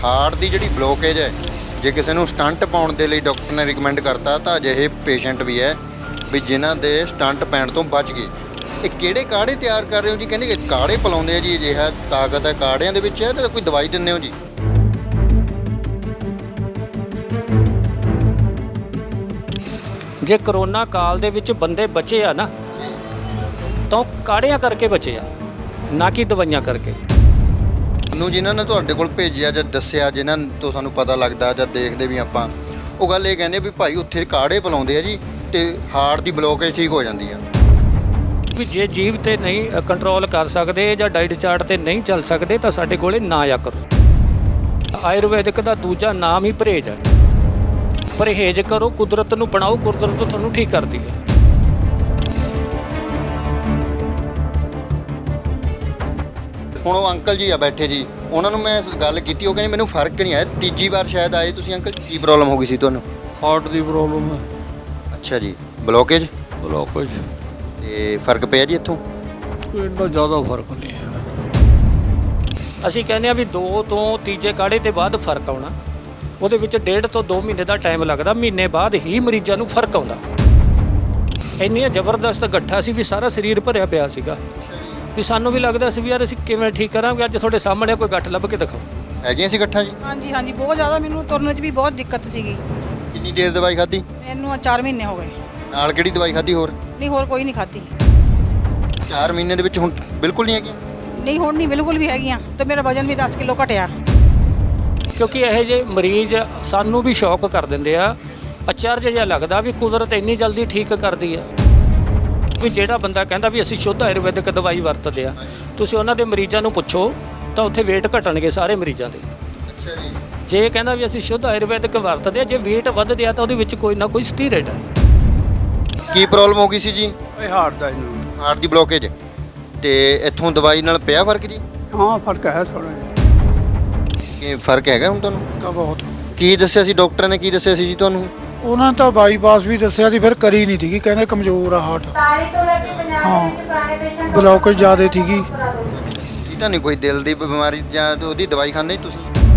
Heart ਦੀ ਜਿਹੜੀ blockage ਹੈ, ਜੇ ਕਿਸੇ ਨੂੰ ਸਟੰਟ ਪਾਉਣ ਦੇ ਲਈ ਡਾਕਟਰ ਨੇ ਰਿਕਮੈਂਡ ਕਰਤਾ ਤਾਂ ਅਜਿਹੇ ਪੇਸ਼ੈਂਟ ਵੀ ਹੈ ਵੀ ਜਿਨ੍ਹਾਂ ਦੇ ਸਟੰਟ ਪੈਣ ਤੋਂ ਬਚ ਗਏ। ਇਹ ਕਿਹੜੇ ਕਾੜੇ ਤਿਆਰ ਕਰ ਰਹੇ ਹੋ ਜੀ? ਕਹਿੰਦੇ ਕਿ ਕਾੜੇ ਪਿਲਾਉਂਦੇ ਆ ਜੀ, ਅਜਿਹਾ ਤਾਕਤ ਹੈ ਕਾੜਿਆਂ ਦੇ ਵਿੱਚ ਹੈ, ਤਾਂ ਕੋਈ ਦਵਾਈ ਦਿੰਦੇ ਹੋ ਜੀ? ਜੇ ਕਰੋਨਾ ਕਾਲ ਦੇ ਵਿੱਚ ਬੰਦੇ ਬਚੇ ਆ ਨਾ ਤਾਂ ਉਹ ਕਾੜਿਆਂ ਕਰਕੇ ਬਚੇ ਆ, ਨਾ ਕਿ ਦਵਾਈਆਂ ਕਰਕੇ। ਨੂੰ ਜਿਨ੍ਹਾਂ ਨੇ ਤੁਹਾਡੇ ਕੋਲ ਭੇਜਿਆ ਜਾਂ ਦੱਸਿਆ, ਜਿਨ੍ਹਾਂ ਤੋਂ ਸਾਨੂੰ ਪਤਾ ਲੱਗਦਾ ਜਾਂ ਦੇਖਦੇ ਵੀ ਆਪਾਂ, ਉਹ ਗੱਲ ਇਹ ਕਹਿੰਦੇ ਵੀ ਭਾਈ ਉੱਥੇ ਕਾੜੇ ਪਿਲਾਉਂਦੇ ਆ ਜੀ ਤੇ ਹਾਰਟ ਦੀ ਬਲੋਕੇਜ ਠੀਕ ਹੋ ਜਾਂਦੀ ਆ। ਵੀ ਜੇ ਜੀਵ ਤੇ ਨਹੀਂ ਕੰਟਰੋਲ ਕਰ ਸਕਦੇ ਜਾਂ ਡਾਈਟ ਚਾਰਟ ਤੇ ਨਹੀਂ ਚੱਲ ਸਕਦੇ ਤਾਂ ਸਾਡੇ ਕੋਲੇ ਨਾ ਆਇਆ ਕਰੋ। ਆਯੁਰਵੈਦਿਕ ਦਾ ਦੂਜਾ ਨਾਮ ਹੀ ਪਰਹੇਜ਼ ਹੈ। ਪਰਹੇਜ਼ ਕਰੋ, ਕੁਦਰਤ ਨੂੰ ਬਣਾਓ, ਕੁਦਰਤ ਤੁਹਾਨੂੰ ਠੀਕ ਕਰਦੀ ਹੈ। ਹੁਣ ਉਹ ਅੰਕਲ ਜੀ ਆ ਬੈਠੇ ਜੀ, ਉਹਨਾਂ ਨੂੰ ਮੈਂ ਗੱਲ ਕੀਤੀ, ਉਹ ਕਹਿੰਦੇ ਮੈਨੂੰ ਫਰਕ ਨਹੀਂ ਆਇਆ। ਤੀਜੀ ਵਾਰ ਸ਼ਾਇਦ ਆਏ ਤੁਸੀਂ ਅੰਕਲ, ਕੀ ਪ੍ਰੋਬਲਮ ਹੋ ਗਈ ਸੀ ਤੁਹਾਨੂੰ? ਹਾਰਟ ਦੀ ਪ੍ਰੋਬਲਮ ਹੈ। ਅੱਛਾ ਜੀ, ਬਲੋਕੇਜ ਬਲੋਕੇਜ। ਤੇ ਫਰਕ ਪਿਆ ਜੀ ਇੱਥੋਂ? ਇੰਨਾ ਜ਼ਿਆਦਾ ਫਰਕ ਨਹੀਂ ਹੈ। ਅਸੀਂ ਕਹਿੰਦੇ ਆ ਵੀ 2 ਤੋਂ ਤੀਜੇ ਕਾੜੇ ਤੇ ਬਾਅਦ ਫਰਕ ਆਉਣਾ। ਉਹਦੇ ਵਿੱਚ 1.5 ਤੋਂ 2 ਮਹੀਨੇ ਦਾ ਟਾਈਮ ਲੱਗਦਾ। ਮਹੀਨੇ ਬਾਅਦ ਹੀ ਮਰੀਜ਼ਾਂ ਨੂੰ ਫਰਕ ਆਉਂਦਾ। ਇੰਨੀਆਂ ਜ਼ਬਰਦਸਤ ਗੱਠਾਂ ਸੀ ਵੀ ਸਾਰਾ ਸਰੀਰ ਭਰਿਆ ਪਿਆ ਸੀਗਾ, ਵੀ ਸਾਨੂੰ ਵੀ ਲੱਗਦਾ ਸੀ ਵੀ ਯਾਰ ਅਸੀਂ ਕਿਵੇਂ ਠੀਕ ਕਰਾਂਗੇ। ਅੱਜ ਤੁਹਾਡੇ ਸਾਹਮਣੇ ਕੋਈ ਗੱਠ ਲੱਭ ਕੇ ਦਿਖਾਓ। ਹੈਗੀਆਂ ਸੀ ਗੱਠਾਂ ਜੀ? ਹਾਂਜੀ ਹਾਂਜੀ, ਬਹੁਤ ਜ਼ਿਆਦਾ। ਮੈਨੂੰ ਤੁਰਨ 'ਚ ਵੀ ਬਹੁਤ ਦਿੱਕਤ ਸੀਗੀ। ਕਿੰਨੀ ਦੇਰ ਦਵਾਈ ਖਾਧੀ? ਮੈਨੂੰ 4 ਮਹੀਨੇ ਹੋ ਗਏ। ਨਾਲ ਕਿਹੜੀ ਦਵਾਈ ਖਾਧੀ ਹੋਰ? ਨਹੀਂ, ਹੋਰ ਕੋਈ ਨਹੀਂ ਖਾਧੀ। 4 ਮਹੀਨੇ ਦੇ ਵਿੱਚ ਹੁਣ ਬਿਲਕੁਲ ਨਹੀਂ ਹੈਗੀਆਂ? ਨਹੀਂ, ਹੁਣ ਨਹੀਂ ਬਿਲਕੁਲ ਵੀ ਹੈਗੀਆਂ। ਤੇ ਮੇਰਾ ਵਜ਼ਨ ਵੀ 10 ਕਿਲੋ ਘਟਿਆ। ਕਿਉਂਕਿ ਇਹੋ ਜਿਹੇ ਮਰੀਜ਼ ਸਾਨੂੰ ਵੀ ਸ਼ੌਕ ਕਰ ਦਿੰਦੇ ਆ। ਅਚਰਜ ਜਿਹਾ ਲੱਗਦਾ ਵੀ ਕੁਦਰਤ ਇੰਨੀ ਜਲਦੀ ਠੀਕ ਕਰਦੀ ਆ। ਵੀ ਜਿਹੜਾ ਬੰਦਾ ਕਹਿੰਦਾ ਵੀ ਅਸੀਂ ਸ਼ੁੱਧ ਆਯੁਰਵੈਦਿਕ ਦਵਾਈ ਵਰਤਦੇ ਆ, ਤੁਸੀਂ ਉਹਨਾਂ ਦੇ ਮਰੀਜ਼ਾਂ ਨੂੰ ਪੁੱਛੋ ਤਾਂ ਉੱਥੇ ਵੇਟ ਘਟਣਗੇ ਸਾਰੇ ਮਰੀਜ਼ਾਂ ਦੇ। ਅੱਛਾ ਜੀ। ਜੇ ਕਹਿੰਦਾ ਵੀ ਅਸੀਂ ਸ਼ੁੱਧ ਆਯੁਰਵੈਦਿਕ ਵਰਤਦੇ ਆ, ਜੇ ਵੇਟ ਵੱਧਦੇ ਆ ਤਾਂ ਉਹਦੇ ਵਿੱਚ ਕੋਈ ਨਾ ਕੋਈ ਸਟੀਰੋਇਡ ਹੈ। ਕੀ ਪ੍ਰੋਬਲਮ ਹੋ ਗਈ ਸੀ ਜੀ? ਇਹ ਹਾਰਟ ਦਾ ਇਹਨੂੰ। ਹਾਰਟ ਦੀ ਬਲੋਕੇਜ। ਤੇ ਇੱਥੋਂ ਦਵਾਈ ਨਾਲ ਪਿਆ ਫਰਕ ਜੀ? ਹਾਂ, ਫਰਕ ਹੈ ਥੋੜਾ ਜਿਹਾ। ਕੀ ਫਰਕ ਹੈਗਾ ਹੁਣ ਤੁਹਾਨੂੰ? ਤਾਂ ਬਹੁਤ। ਕੀ ਦੱਸਿਆ ਸੀ ਡਾਕਟਰ ਨੇ, ਕੀ ਦੱਸਿਆ ਸੀ ਜੀ ਤੁਹਾਨੂੰ? ਉਹਨਾਂ ਨੇ ਤਾਂ ਬਾਈਪਾਸ ਵੀ ਦੱਸਿਆ ਸੀ, ਫਿਰ ਕਰੀ ਨਹੀਂ ਸੀਗੀ। ਕਹਿੰਦੇ ਕਮਜ਼ੋਰ ਆ ਹਾਰਟ। ਹਾਂ, ਬਲੋਕੇਜ ਜ਼ਿਆਦਾ ਸੀਗੀ। ਸੀ ਤਾਂ ਨਹੀਂ ਕੋਈ ਦਿਲ ਦੀ ਬਿਮਾਰੀ ਜਾਂ ਉਹਦੀ ਦਵਾਈ ਖਾਂਦੇ ਤੁਸੀਂ?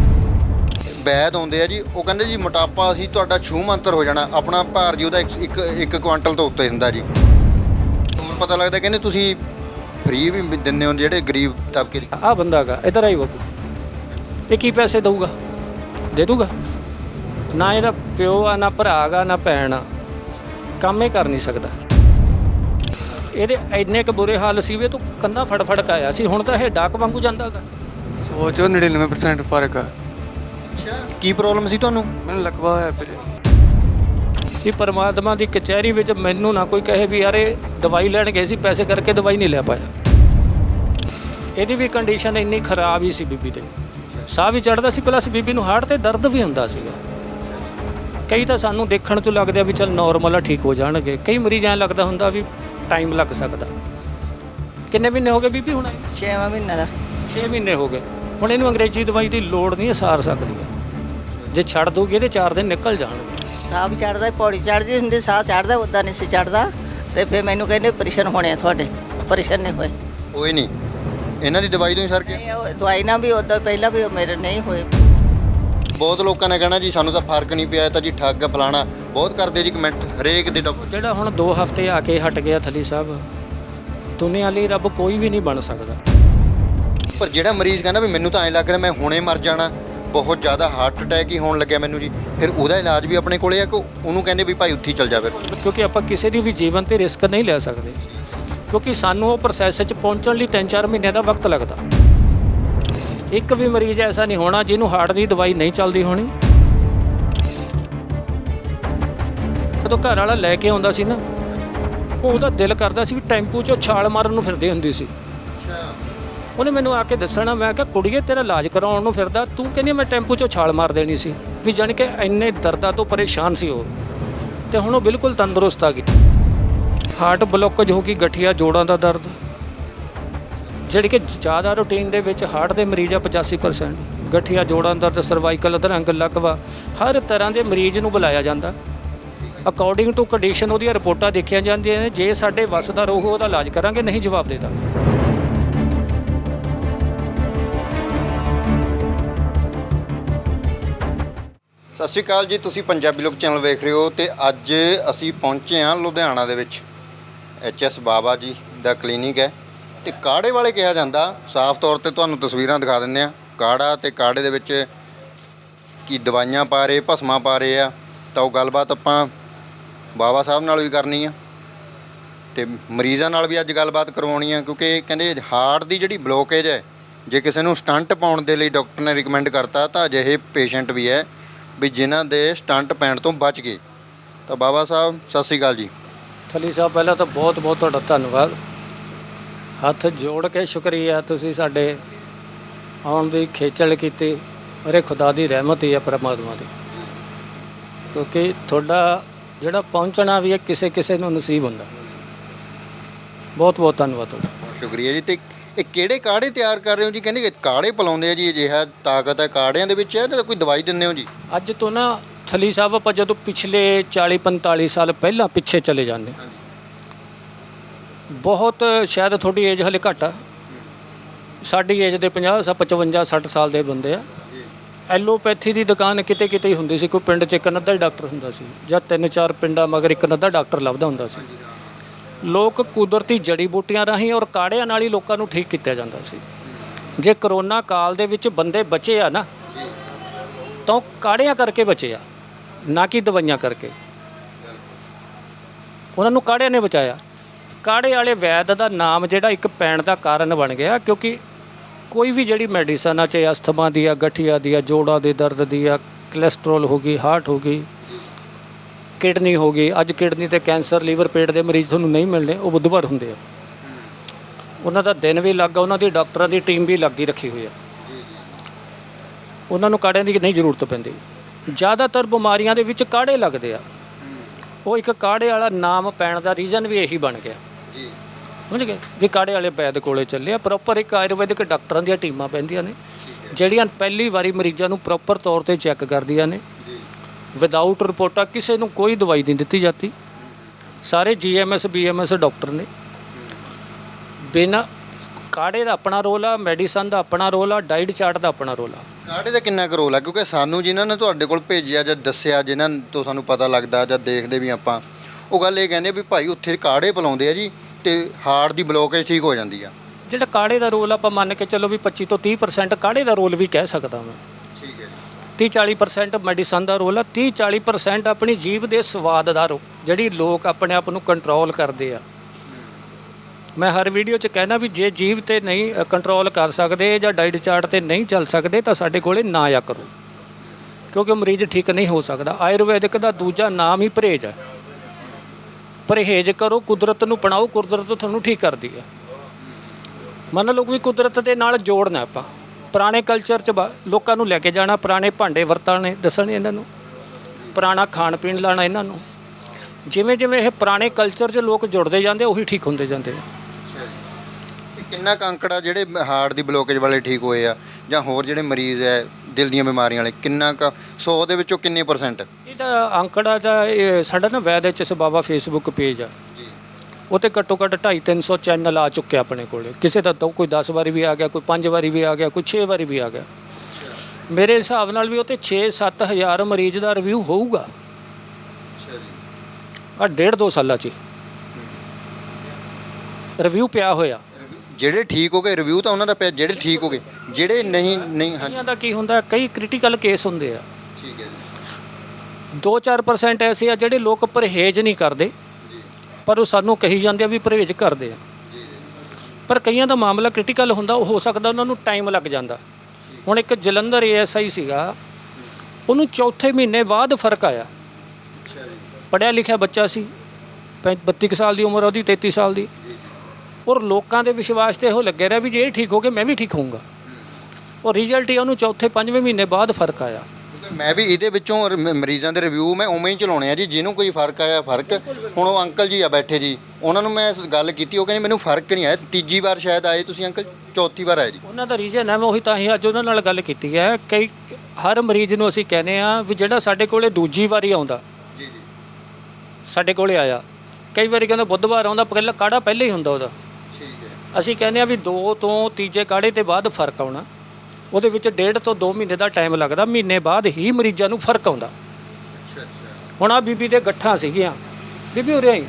ਵੈਦ ਆਉਂਦੇ ਆ ਜੀ, ਉਹ ਕਹਿੰਦੇ ਜੀ ਮੋਟਾਪਾ ਅਸੀਂ ਤੁਹਾਡਾ ਛੂ ਮੰਤਰ ਹੋ ਜਾਣਾ। ਆਪਣਾ ਭਾਰ ਜੀ ਉਹਦਾ ਇੱਕ ਕੁਆਂਟਲ ਤੋਂ ਉੱਤੇ ਹੁੰਦਾ ਜੀ। ਹੋਰ ਪਤਾ ਲੱਗਦਾ ਕਹਿੰਦੇ ਤੁਸੀਂ ਫ੍ਰੀ ਵੀ ਦਿੰਦੇ ਹੋ ਜਿਹੜੇ ਗਰੀਬ ਤਬਕੇ ਦੀ। ਆਹ ਬੰਦਾ ਹੈਗਾ, ਇੱਧਰ ਆਈ ਬਾਪੂ, ਇਹ ਕੀ ਪੈਸੇ ਦਊਗਾ? ਦੇ ਦੂਗਾ? ਨਾ ਇਹਦਾ ਪਿਓ ਆ, ਨਾ ਭਰਾ ਗਾ, ਨਾ ਭੈਣ ਆ, ਕੰਮ ਹੀ ਕਰ ਨਹੀਂ ਸਕਦਾ। ਇਹਦੇ ਇੰਨੇ ਕੁ ਬੁਰੇ ਹਾਲ ਸੀ ਵੀ ਤੂੰ ਕੰਧਾਂ ਫੜ ਕੇ ਆਇਆ ਸੀ। ਹੁਣ ਤਾਂ ਇਹ ਡਾਕ ਵਾਂਗੂ ਜਾਂਦਾ ਗਾ। ਸੋਚੋ 99% ਫਰਕ ਆ। ਅੱਛਾ, ਕੀ ਪ੍ਰੋਬਲਮ ਸੀ ਤੁਹਾਨੂੰ? ਮੈਨੂੰ ਲਕਵਾ ਹੋਇਆ ਵੀਰੇ। ਇਹ ਪਰਮਾਤਮਾ ਦੀ ਕਚਹਿਰੀ ਵਿੱਚ ਮੈਨੂੰ ਨਾ ਕੋਈ ਕਹੇ ਵੀ ਯਾਰ ਇਹ ਦਵਾਈ ਲੈਣ ਗਏ ਸੀ, ਪੈਸੇ ਕਰਕੇ ਦਵਾਈ ਨਹੀਂ ਲੈ ਪਾਇਆ। ਇਹਦੀ ਵੀ ਕੰਡੀਸ਼ਨ ਇੰਨੀ ਖਰਾਬ ਹੀ ਸੀ ਬੀਬੀ ਦੇ, ਸਾਹ ਵੀ ਚੜ੍ਹਦਾ ਸੀ, ਪਲੱਸ ਬੀਬੀ ਨੂੰ ਹਾਰਟ ਤੇ ਦਰਦ ਵੀ ਹੁੰਦਾ ਸੀਗਾ। ਕਈ ਤਾਂ ਸਾਨੂੰ ਦੇਖਣ 'ਚ ਲੱਗਦਾ ਵੀ ਚੱਲ ਨੋਰਮਲ ਆ, ਠੀਕ ਹੋ ਜਾਣਗੇ। ਕਈ ਮਰੀਜ਼ ਐਂ ਲੱਗਦਾ ਹੁੰਦਾ ਵੀ ਟਾਈਮ ਲੱਗ ਸਕਦਾ। ਕਿੰਨੇ ਮਹੀਨੇ ਹੋ ਗਏ ਬੀਬੀ ਹੁਣ? 6ਵਾਂ ਮਹੀਨਾ ਦਾ। 6 ਮਹੀਨੇ ਹੋ ਗਏ। ਹੁਣ ਇਹਨੂੰ ਅੰਗਰੇਜ਼ੀ ਦਵਾਈ ਦੀ ਲੋੜ ਨਹੀਂ, ਇਹ ਸਾਰ ਸਕਦੀ ਹੈ। ਜੇ ਛੱਡ ਦੂਗੀ ਇਹਦੇ 4 ਦਿਨ ਨਿਕਲ ਜਾਣਗੇ। ਸਾਹ ਵੀ ਚੜਦਾ, ਪੌੜੀ ਚੜਦੀ ਹੁੰਦੀ, ਸਾਹ ਚੜਦਾ, ਉੱਦਾਂ ਨਹੀਂ ਸੀ ਚੜਦਾ। ਤੇ ਫਿਰ ਮੈਨੂੰ ਕਹਿੰਦੇ ਆਪਰੇਸ਼ਨ ਹੋਣੇ ਆ ਤੁਹਾਡੇ। ਆਪਰੇਸ਼ਨ ਨਹੀਂ ਹੋਏ। ਹੋਏ ਨਹੀਂ? ਇਹਨਾਂ ਦੀ ਦਵਾਈ ਤੋਂ ਹੀ ਸਰ ਕੇ? ਨਹੀਂ, ਉਹ ਦਵਾਈ ਨਾਲ ਵੀ ਉੱਦਾਂ ਪਹਿਲਾਂ ਵੀ ਮੇਰੇ ਨਹੀਂ ਹੋਏ। ਬਹੁਤ ਲੋਕਾਂ ਨੇ ਕਹਿਣਾ ਜੀ ਸਾਨੂੰ ਤਾਂ ਫਰਕ ਨਹੀਂ ਪਿਆ, ਤਾਂ ਜੀ ਠੱਗ ਫਲਾਣਾ ਬਹੁਤ ਕਰਦੇ ਜੀ ਕਮੈਂਟ ਹਰੇਕ ਦੇ ਡਾਕਟਰ। ਜਿਹੜਾ ਹੁਣ 2 ਹਫ਼ਤੇ ਆ ਕੇ ਹਟ ਗਿਆ ਥਲੀ ਸਾਹਿਬ, ਦੁਨੀਆ ਲਈ ਰੱਬ ਕੋਈ ਵੀ ਨਹੀਂ ਬਣ ਸਕਦਾ। ਪਰ ਜਿਹੜਾ ਮਰੀਜ਼ ਕਹਿੰਦਾ ਵੀ ਮੈਨੂੰ ਤਾਂ ਐਂ ਲੱਗ ਰਿਹਾ ਮੈਂ ਹੁਣੇ ਮਰ ਜਾਣਾ, ਬਹੁਤ ਜ਼ਿਆਦਾ ਹਾਰਟ ਅਟੈਕ ਹੀ ਹੋਣ ਲੱਗਿਆ ਮੈਨੂੰ ਜੀ, ਫਿਰ ਉਹਦਾ ਇਲਾਜ ਵੀ ਆਪਣੇ ਕੋਲੇ ਆ ਕਿ ਉਹਨੂੰ ਕਹਿੰਦੇ ਵੀ ਭਾਈ ਉੱਥੇ ਹੀ ਚੱਲ ਜਾ ਫਿਰ? ਕਿਉਂਕਿ ਆਪਾਂ ਕਿਸੇ ਦੀ ਵੀ ਜੀਵਨ ਤੇ ਰਿਸਕ ਨਹੀਂ ਲੈ ਸਕਦੇ, ਕਿਉਂਕਿ ਸਾਨੂੰ ਉਹ ਪ੍ਰੋਸੈਸ 'ਚ ਪਹੁੰਚਣ ਲਈ 3-4 ਮਹੀਨੇ ਦਾ ਵਕਤ ਲੱਗਦਾ। ਇੱਕ ਵੀ ਮਰੀਜ਼ ਐਸਾ ਨਹੀਂ ਹੋਣਾ ਜਿਹਨੂੰ ਹਾਰਟ ਦੀ ਦਵਾਈ ਨਹੀਂ ਚੱਲਦੀ ਹੋਣੀ। ਜਦੋਂ ਘਰ ਵਾਲਾ ਲੈ ਕੇ ਆਉਂਦਾ ਸੀ ਨਾ, ਉਹਦਾ ਦਿਲ ਕਰਦਾ ਸੀ ਵੀ ਟੈਂਪੂ 'ਚੋਂ ਛਾਲ ਮਾਰਨ ਨੂੰ ਫਿਰਦੇ ਹੁੰਦੀ ਸੀ। ਉਹਨੇ ਮੈਨੂੰ ਆ ਕੇ ਦੱਸਣਾ, ਮੈਂ ਕਿਹਾ ਕੁੜੀਏ ਤੇਰਾ ਇਲਾਜ ਕਰਾਉਣ ਨੂੰ ਫਿਰਦਾ, ਤੂੰ ਕਹਿੰਦੀ ਮੈਂ ਟੈਂਪੂ 'ਚੋਂ ਛਾਲ ਮਾਰ ਦੇਣੀ ਸੀ। ਵੀ ਜਾਣੀ ਕਿ ਇੰਨੇ ਦਰਦਾਂ ਤੋਂ ਪਰੇਸ਼ਾਨ ਸੀ ਉਹ, ਤੇ ਹੁਣ ਉਹ ਬਿਲਕੁਲ ਤੰਦਰੁਸਤ ਆ ਗਈ। ਹਾਰਟ ਬਲੋਕੇਜ ਹੋ ਗਈ, ਗਠੀਆ ਜੋੜਾਂ ਦਾ ਦਰਦ, ਜਿਹੜੀ ਕਿ ਜ਼ਿਆਦਾ ਰੂਟੀਨ ਦੇ ਵਿੱਚ ਹਾਰਟ ਦੇ ਮਰੀਜ਼ ਆ 85%। ਗਠੀਆ ਜੋੜਾਂ ਦਰਦ, ਸਰਵਾਈਕਲ ਅਧਰੰਗ, ਲਕਵਾ, ਹਰ ਤਰ੍ਹਾਂ ਦੇ ਮਰੀਜ਼ ਨੂੰ ਬੁਲਾਇਆ ਜਾਂਦਾ। ਅਕੋਰਡਿੰਗ ਟੂ ਕੰਡੀਸ਼ਨ ਉਹਦੀਆਂ ਰਿਪੋਰਟਾਂ ਦੇਖੀਆਂ ਜਾਂਦੀਆਂ ਨੇ। ਜੇ ਸਾਡੇ ਵੱਸ ਦਾ ਰੋਗ ਉਹਦਾ ਇਲਾਜ ਕਰਾਂਗੇ, ਨਹੀਂ ਜਵਾਬ ਦੇ ਦਾਂਗੇ। ਸਤਿ ਸ਼੍ਰੀ ਅਕਾਲ ਜੀ, ਤੁਸੀਂ ਪੰਜਾਬੀ ਲੋਕ ਚੈਨਲ ਵੇਖ ਰਹੇ ਹੋ ਤੇ ਅੱਜ ਅਸੀਂ ਪਹੁੰਚੇ ਹਾਂ ਲੁਧਿਆਣਾ ਦੇ ਵਿੱਚ। ਐਚ.ਐਸ. ਬਾਬਾ ਜੀ ਦਾ ਕਲੀਨਿਕ ਹੈ ਤੇ ਕਾੜੇ ਵਾਲੇ ਕਿਹਾ ਜਾਂਦਾ। ਸਾਫ਼ ਤੌਰ ਤੇ ਤੁਹਾਨੂੰ ਤਸਵੀਰਾਂ ਦਿਖਾ ਦਿੰਦੇ ਆ। ਕਾੜਾ ਤੇ ਕਾੜੇ ਦੇ ਵਿੱਚ ਕੀ ਦਵਾਈਆਂ ਪਾ ਰਹੇ, ਭਸਮਾਂ ਪਾ ਰਹੇ ਆ। ਤਾਂ ਉਹ ਗੱਲਬਾਤ ਆਪਾਂ ਬਾਬਾ ਸਾਹਿਬ ਨਾਲ ਵੀ ਕਰਨੀ ਆ ਤੇ ਮਰੀਜ਼ਾਂ ਨਾਲ ਵੀ ਅੱਜ ਗੱਲਬਾਤ ਕਰਵਾਉਣੀ ਆ, ਕਿਉਂਕਿ ਕਹਿੰਦੇ ਹਾਰਟ ਦੀ ਜਿਹੜੀ ਬਲੋਕੇਜ ਹੈ, ਜੇ ਕਿਸੇ ਨੂੰ ਸਟੰਟ ਪਾਉਣ ਦੇ ਲਈ ਡਾਕਟਰ ਨੇ ਰਿਕਮੈਂਡ ਕਰਤਾ ਤਾਂ ਅਜਿਹੇ ਪੇਸ਼ੈਂਟ ਵੀ ਹੈ ਵੀ ਜਿਨ੍ਹਾਂ ਦੇ ਸਟੰਟ ਪੈਣ ਤੋਂ ਬਚ ਗਏ। ਤਾਂ ਬਾਬਾ ਸਾਹਿਬ ਸਤਿ ਸ਼੍ਰੀ ਅਕਾਲ ਜੀ। ਥਲੀ ਸਾਹਿਬ ਪਹਿਲਾਂ ਤਾਂ ਬਹੁਤ ਬਹੁਤ ਤੁਹਾਡਾ ਧੰਨਵਾਦ, ਹੱਥ ਜੋੜ ਕੇ ਸ਼ੁਕਰੀਆ। ਤੁਸੀਂ ਸਾਡੇ ਆਉਣ ਦੀ ਖੇਚਲ ਕੀਤੀ, ਅਰੇ ਖੁਦਾ ਦੀ ਰਹਿਮਤ ਹੀ ਹੈ, ਪਰਮਾਤਮਾ ਦੀ, ਕਿਉਂਕਿ ਤੁਹਾਡਾ ਜਿਹੜਾ ਪਹੁੰਚਣਾ ਵੀ ਹੈ ਕਿਸੇ ਕਿਸੇ ਨੂੰ ਨਸੀਬ ਹੁੰਦਾ। ਬਹੁਤ ਬਹੁਤ ਧੰਨਵਾਦ ਤੁਹਾਡਾ। ਸ਼ੁਕਰੀਆ ਜੀ। ਤੇ ਇਹ ਕਿਹੜੇ ਕਾੜੇ ਤਿਆਰ ਕਰ ਰਹੇ ਹੋ ਜੀ? ਕਹਿੰਦੇ ਕਾੜੇ ਪਿਲਾਉਂਦੇ ਆ ਜੀ, ਅਜਿਹਾ ਤਾਕਤ ਹੈ ਕਾੜਿਆਂ ਦੇ ਵਿੱਚ ਹੈ ਤਾਂ ਕੋਈ ਦਵਾਈ ਦਿੰਦੇ ਹੋ ਜੀ? ਅੱਜ ਤੋਂ ਨਾ ਥਲੀ ਸਾਹਿਬ ਆਪਾਂ ਜਦੋਂ ਪਿਛਲੇ 40-45 ਸਾਲ ਪਹਿਲਾਂ ਪਿੱਛੇ ਚਲੇ ਜਾਂਦੇ, ਬਹੁਤ ਸ਼ਾਇਦ ਤੁਹਾਡੀ ਏਜ ਹਲੇ ਘੱਟ ਆ, ਸਾਡੀ ਏਜ ਦੇ 50 55 60 ਸਾਲ ਦੇ ਬੰਦੇ ਆ। ਐਲੋਪੈਥੀ ਦੀ ਦੁਕਾਨ ਕਿਤੇ ਕਿਤੇ ਹੀ ਹੁੰਦੀ ਸੀ, ਕੋਈ ਪਿੰਡ 'ਚ ਇੱਕ ਅੱਧਾ ਹੀ ਡਾਕਟਰ ਹੁੰਦਾ ਸੀ, ਜਾਂ 3-4 ਪਿੰਡਾਂ ਮਗਰ ਇੱਕ ਅੱਧਾ ਡਾਕਟਰ ਲੱਭਦਾ ਹੁੰਦਾ ਸੀ। ਲੋਕ ਕੁਦਰਤੀ ਜੜੀ ਬੂਟੀਆਂ ਰਾਹੀਂ ਔਰ ਕਾੜਿਆਂ ਨਾਲ ਹੀ ਲੋਕਾਂ ਨੂੰ ਠੀਕ ਕੀਤਾ ਜਾਂਦਾ ਸੀ। ਜੇ ਕਰੋਨਾ ਕਾਲ ਦੇ ਵਿੱਚ ਬੰਦੇ ਬਚੇ ਆ ਨਾ, ਤਾਂ ਉਹ ਕਾੜਿਆਂ ਕਰਕੇ ਬਚੇ ਆ, ਨਾ ਕਿ ਦਵਾਈਆਂ ਕਰਕੇ। ਉਹਨਾਂ ਨੂੰ ਕਾੜਿਆਂ ਨੇ ਬਚਾਇਆ। ਕਾੜੇ ਵਾਲੇ ਵੈਦ ਦਾ ਨਾਮ ਜਿਹੜਾ ਇੱਕ ਪੈਣ ਦਾ ਕਾਰਨ ਬਣ ਗਿਆ, ਕਿਉਂਕਿ ਕੋਈ ਵੀ ਜਿਹੜੀ ਮੈਡੀਸਨ ਆ, ਚਾਹੇ ਅਸਥਮਾ ਦੀ ਆ, ਗਠੀਆ ਦੀ ਆ, ਜੋੜਾਂ ਦੇ ਦਰਦ ਦੀ ਆ, ਕੋਲੈਸਟਰੋਲ ਹੋ ਗਈ, ਹਾਰਟ ਹੋ ਗਈ, ਕਿਡਨੀ ਹੋ ਗਈ। ਅੱਜ ਕਿਡਨੀ ਤੇ ਕੈਂਸਰ, ਲੀਵਰ, ਪੇਟ ਦੇ ਮਰੀਜ਼ ਤੁਹਾਨੂੰ ਨਹੀਂ ਮਿਲਣੇ, ਉਹ ਬੁੱਧਵਾਰ ਹੁੰਦੇ ਆ। ਉਹਨਾਂ ਦਾ ਦਿਨ ਵੀ ਲੱਗਾ, ਉਹਨਾਂ ਦੀ ਡਾਕਟਰਾਂ ਦੀ ਟੀਮ ਵੀ ਲੱਗੀ ਰੱਖੀ ਹੋਈ ਆ। ਉਹਨਾਂ ਨੂੰ ਕਾੜਿਆਂ ਦੀ ਨਹੀਂ ਜ਼ਰੂਰਤ ਪੈਂਦੀ। ਜ਼ਿਆਦਾਤਰ ਬਿਮਾਰੀਆਂ ਦੇ ਵਿੱਚ ਕਾੜੇ ਲੱਗਦੇ ਆ। ਉਹ ਇੱਕ ਕਾੜੇ ਵਾਲਾ ਨਾਮ ਪੈਣ ਦਾ ਰੀਜ਼ਨ ਵੀ ਇਹੀ ਬਣ ਗਿਆ ਜੀ, ਸਮਝ ਗਏ ਵੀ ਕਾੜੇ ਵਾਲੇ ਵੈਦ ਕੋਲੇ ਚੱਲੇ ਆ। ਪ੍ਰੋਪਰ ਇੱਕ ਆਯੁਰਵੈਦਿਕ ਡਾਕਟਰਾਂ ਦੀਆਂ ਟੀਮਾਂ ਪੈਂਦੀਆਂ ਨੇ, ਜਿਹੜੀਆਂ ਪਹਿਲੀ ਵਾਰੀ ਮਰੀਜ਼ਾਂ ਨੂੰ ਪ੍ਰੋਪਰ ਤੌਰ 'ਤੇ ਚੈੱਕ ਕਰਦੀਆਂ ਨੇ। ਵਿਦਆਊਟ ਰਿਪੋਰਟਾਂ ਕਿਸੇ ਨੂੰ ਕੋਈ ਦਵਾਈ ਨਹੀਂ ਦਿੱਤੀ ਜਾਂਦੀ। ਸਾਰੇ GMS BMS ਡਾਕਟਰ ਨੇ। ਬਿਨਾਂ ਕਾੜੇ ਦਾ ਆਪਣਾ ਰੋਲ ਆ, ਮੈਡੀਸਨ ਦਾ ਆਪਣਾ ਰੋਲ ਆ, ਡਾਈਟ ਚਾਰਟ ਦਾ ਆਪਣਾ ਰੋਲ ਆ। ਕਾੜੇ ਦਾ ਕਿੰਨਾ ਕੁ ਰੋਲ ਆ? ਕਿਉਂਕਿ ਸਾਨੂੰ ਜਿਨ੍ਹਾਂ ਨੇ ਤੁਹਾਡੇ ਕੋਲ ਭੇਜਿਆ ਜਾਂ ਦੱਸਿਆ, ਜਿਨ੍ਹਾਂ ਤੋਂ ਸਾਨੂੰ ਪਤਾ ਲੱਗਦਾ ਜਾਂ ਦੇਖਦੇ ਵੀ ਆਪਾਂ, ਉਹ ਗੱਲ ਇਹ ਕਹਿੰਦੇ ਵੀ ਭਾਈ ਉੱਥੇ ਕਾੜੇ ਪਿਲਾਉਂਦੇ ਆ ਜੀ ਤੇ ਹਾਰਟ ਦੀ ਬਲੋਕੇਜ ਠੀਕ ਹੋ ਜਾਂਦੀ ਆ। ਜਿਹੜਾ ਕਾੜੇ ਦਾ ਰੋਲ ਆਪਾਂ ਮੰਨ ਕੇ ਚੱਲੋ ਵੀ 25 ਤੋਂ 30% ਕਾੜੇ ਦਾ ਰੋਲ ਵੀ ਕਹਿ ਸਕਦਾ ਮੈਂ। ਠੀਕ ਹੈ। 30-40% ਮੈਡੀਸਨ ਦਾ ਰੋਲ ਆ। 30-40% ਆਪਣੀ ਜੀਭ ਦੇ ਸਵਾਦ ਦਾ ਜਿਹੜੀ ਲੋਕ ਆਪਣੇ ਆਪ ਨੂੰ ਕੰਟਰੋਲ ਕਰਦੇ ਆ। ਮੈਂ ਹਰ ਵੀਡੀਓ 'ਚ ਕਹਿਣਾ ਵੀ ਜੇ ਜੀਭ 'ਤੇ ਨਹੀਂ ਕੰਟਰੋਲ ਕਰ ਸਕਦੇ ਜਾਂ ਡਾਈਟ ਚਾਰਟ 'ਤੇ ਨਹੀਂ ਚੱਲ ਸਕਦੇ ਤਾਂ ਸਾਡੇ ਕੋਲੇ ਨਾ ਆ ਕਰੋ, ਕਿਉਂਕਿ ਮਰੀਜ਼ ਠੀਕ ਨਹੀਂ ਹੋ ਸਕਦਾ। ਆਯੁਰਵੈਦਿਕ ਦਾ ਦੂਜਾ ਨਾਮ ਹੀ ਪਰਹੇਜ਼ ਹੈ। ਪਰਹੇਜ਼ ਕਰੋ, ਕੁਦਰਤ ਨੂੰ ਅਪਣਾਓ, ਕੁਦਰਤ ਤੁਹਾਨੂੰ ਠੀਕ ਕਰਦੀ ਹੈ। ਮੰਨ ਲਓ ਵੀ ਕੁਦਰਤ ਦੇ ਨਾਲ ਜੋੜਨਾ ਆਪਾਂ। ਪੁਰਾਣੇ ਕਲਚਰ 'ਚ ਲੋਕਾਂ ਨੂੰ ਲੈ ਕੇ ਜਾਣਾ, ਪੁਰਾਣੇ ਭਾਂਡੇ ਵਰਤਾਣੇ ਦੱਸਣੇ ਇਹਨਾਂ ਨੂੰ, ਪੁਰਾਣਾ ਖਾਣ ਪੀਣ ਲਾਣਾ ਇਹਨਾਂ ਨੂੰ। ਜਿਵੇਂ ਜਿਵੇਂ ਇਹ ਪੁਰਾਣੇ ਕਲਚਰ 'ਚ ਲੋਕ ਜੁੜਦੇ ਜਾਂਦੇ, ਉਹੀ ਠੀਕ ਹੁੰਦੇ ਜਾਂਦੇ ਆ। ਕਿੰਨਾ ਕੁ ਅੰਕੜਾ ਜਿਹੜੇ ਹਾਰਟ ਦੀ ਬਲੋਕੇਜ ਵਾਲੇ ਠੀਕ ਹੋਏ ਆ ਜਾਂ ਹੋਰ ਜਿਹੜੇ ਮਰੀਜ਼ ਹੈ ਦਿਲ ਦੀਆਂ ਬਿਮਾਰੀਆਂ ਵਾਲੇ, ਕਿੰਨਾ ਕੁ 100 ਦੇ ਵਿੱਚੋਂ ਕਿੰਨੇ %? ਇਹਦਾ ਅੰਕੜਾ ਤਾਂ ਇਹ ਸਾਡਾ ਨਾ ਵੈਦ ਐਚ.ਐਸ. ਬਾਬਾ ਫੇਸਬੁੱਕ ਪੇਜ ਆ, ਉਹ 'ਤੇ ਘੱਟੋ ਘੱਟ 250-300 ਚੈਨਲ ਆ ਚੁੱਕੇ ਆਪਣੇ ਕੋਲੇ। ਕਿਸੇ ਦਾ ਤਾਂ ਕੋਈ 10 ਵਾਰੀ ਵੀ ਆ ਗਿਆ, ਕੋਈ 5 ਵਾਰੀ ਵੀ ਆ ਗਿਆ, ਕੋਈ 6 ਵਾਰੀ ਵੀ ਆ ਗਿਆ। ਮੇਰੇ ਹਿਸਾਬ ਨਾਲ ਵੀ ਉਹ 'ਤੇ 6-7 ਹਜ਼ਾਰ ਮਰੀਜ਼ ਦਾ ਰਿਵਿਊ ਹੋਊਗਾ ਆ 1.5-2 ਸਾਲਾਂ 'ਚ ਰਿਵਿਊ ਪਿਆ ਹੋਇਆ। ਜਿਹੜੇ ਠੀਕ ਹੋ ਗਏ ਰਿਵਿਊ ਤਾਂ ਉਹਨਾਂ ਦਾ ਪਿਆ, ਜਿਹੜੇ ਠੀਕ ਹੋ ਗਏ, ਜਿਹੜੇ ਨਹੀਂ ਕਈਆਂ ਦਾ ਕੀ ਹੁੰਦਾ, ਕਈ ਕ੍ਰਿਟੀਕਲ ਕੇਸ ਹੁੰਦੇ ਆ। ਠੀਕ ਹੈ ਜੀ। 2-4% ਐਸੇ ਆ ਜਿਹੜੇ ਲੋਕ ਪਰਹੇਜ਼ ਨਹੀਂ ਕਰਦੇ, ਪਰ ਉਹ ਸਾਨੂੰ ਕਹੀ ਜਾਂਦੇ ਆ ਵੀ ਪਰਹੇਜ਼ ਕਰਦੇ ਆ। ਪਰ ਕਈਆਂ ਦਾ ਮਾਮਲਾ ਕ੍ਰਿਟੀਕਲ ਹੁੰਦਾ, ਉਹ ਹੋ ਸਕਦਾ ਉਹਨਾਂ ਨੂੰ ਟਾਈਮ ਲੱਗ ਜਾਂਦਾ। ਹੁਣ ਇੱਕ ਜਲੰਧਰ ASI ਸੀਗਾ, ਉਹਨੂੰ ਚੌਥੇ ਮਹੀਨੇ ਬਾਅਦ ਫਰਕ ਆਇਆ। ਪੜ੍ਹਿਆ ਲਿਖਿਆ ਬੱਚਾ ਸੀ, 32 ਸਾਲ ਦੀ ਉਮਰ ਉਹਦੀ, 33 ਸਾਲ ਦੀ। ਔਰ ਲੋਕਾਂ ਦੇ ਵਿਸ਼ਵਾਸ 'ਤੇ ਇਹੋ ਲੱਗਿਆ ਰਿਹਾ ਵੀ ਜੇ ਇਹ ਠੀਕ ਹੋ ਗਏ ਮੈਂ ਵੀ ਠੀਕ ਹੋਊਂਗਾ। ਔਰ ਰਿਜ਼ਲਟ ਹੀ ਉਹਨੂੰ ਚੌਥੇ 5ਵੇਂ ਮਹੀਨੇ ਬਾਅਦ ਫਰਕ ਆਇਆ। ਮੈਂ ਵੀ ਇਹਦੇ ਵਿੱਚੋਂ ਮਰੀਜ਼ਾਂ ਦੇ ਰਿਵਿਊ ਮੈਂ ਉਵੇਂ ਹੀ ਚਲਾਉਣੇ ਆ ਜੀ, ਜਿਹਨੂੰ ਕੋਈ ਫਰਕ ਆਇਆ ਫਰਕ। ਹੁਣ ਉਹ ਅੰਕਲ ਜੀ ਆ ਬੈਠੇ ਜੀ, ਉਹਨਾਂ ਨੂੰ ਮੈਂ ਗੱਲ ਕੀਤੀ, ਉਹ ਕਹਿੰਦੇ ਮੈਨੂੰ ਫਰਕ ਨਹੀਂ ਆਇਆ। ਤੀਜੀ ਵਾਰ ਸ਼ਾਇਦ ਆਏ ਤੁਸੀਂ ਅੰਕਲ, ਚੌਥੀ ਵਾਰ ਆਏ ਜੀ। ਉਹਨਾਂ ਦਾ ਰੀਜ਼ਨ ਹੈ, ਮੈਂ ਉਹੀ ਤਾਂ ਹੀ ਅੱਜ ਉਹਨਾਂ ਨਾਲ ਗੱਲ ਕੀਤੀ ਹੈ। ਕਈ ਹਰ ਮਰੀਜ਼ ਨੂੰ ਅਸੀਂ ਕਹਿੰਦੇ ਆ ਵੀ ਜਿਹੜਾ ਸਾਡੇ ਕੋਲੇ ਦੂਜੀ ਵਾਰੀ ਆਉਂਦਾ, ਜੀ ਜੀ, ਸਾਡੇ ਕੋਲੇ ਆਇਆ, ਕਈ ਵਾਰੀ ਕਹਿੰਦਾ ਬੁੱਧਵਾਰ ਆਉਂਦਾ, ਪਹਿਲਾਂ ਕਾੜਾ ਪਹਿਲਾਂ ਹੀ ਹੁੰਦਾ ਉਹਦਾ। ਠੀਕ ਹੈ। ਅਸੀਂ ਕਹਿੰਦੇ ਆ ਵੀ 2 ਤੋਂ ਤੀਜੇ ਕਾੜੇ ਤੇ ਬਾਅਦ ਫਰਕ ਆਉਣਾ। ਉਹਦੇ ਵਿੱਚ 1.5 ਤੋਂ 2 ਮਹੀਨੇ ਦਾ ਟਾਈਮ ਲੱਗਦਾ, ਮਹੀਨੇ ਬਾਅਦ ਹੀ ਮਰੀਜ਼ਾਂ ਨੂੰ ਫਰਕ ਆਉਂਦਾ। ਅੱਛਾ ਅੱਛਾ। ਹੁਣ ਆ ਬੀਬੀ ਦੇ ਗੱਠਾਂ ਸੀਗੀਆਂ, ਬੀਬੀ ਉਰੇ ਆਈ,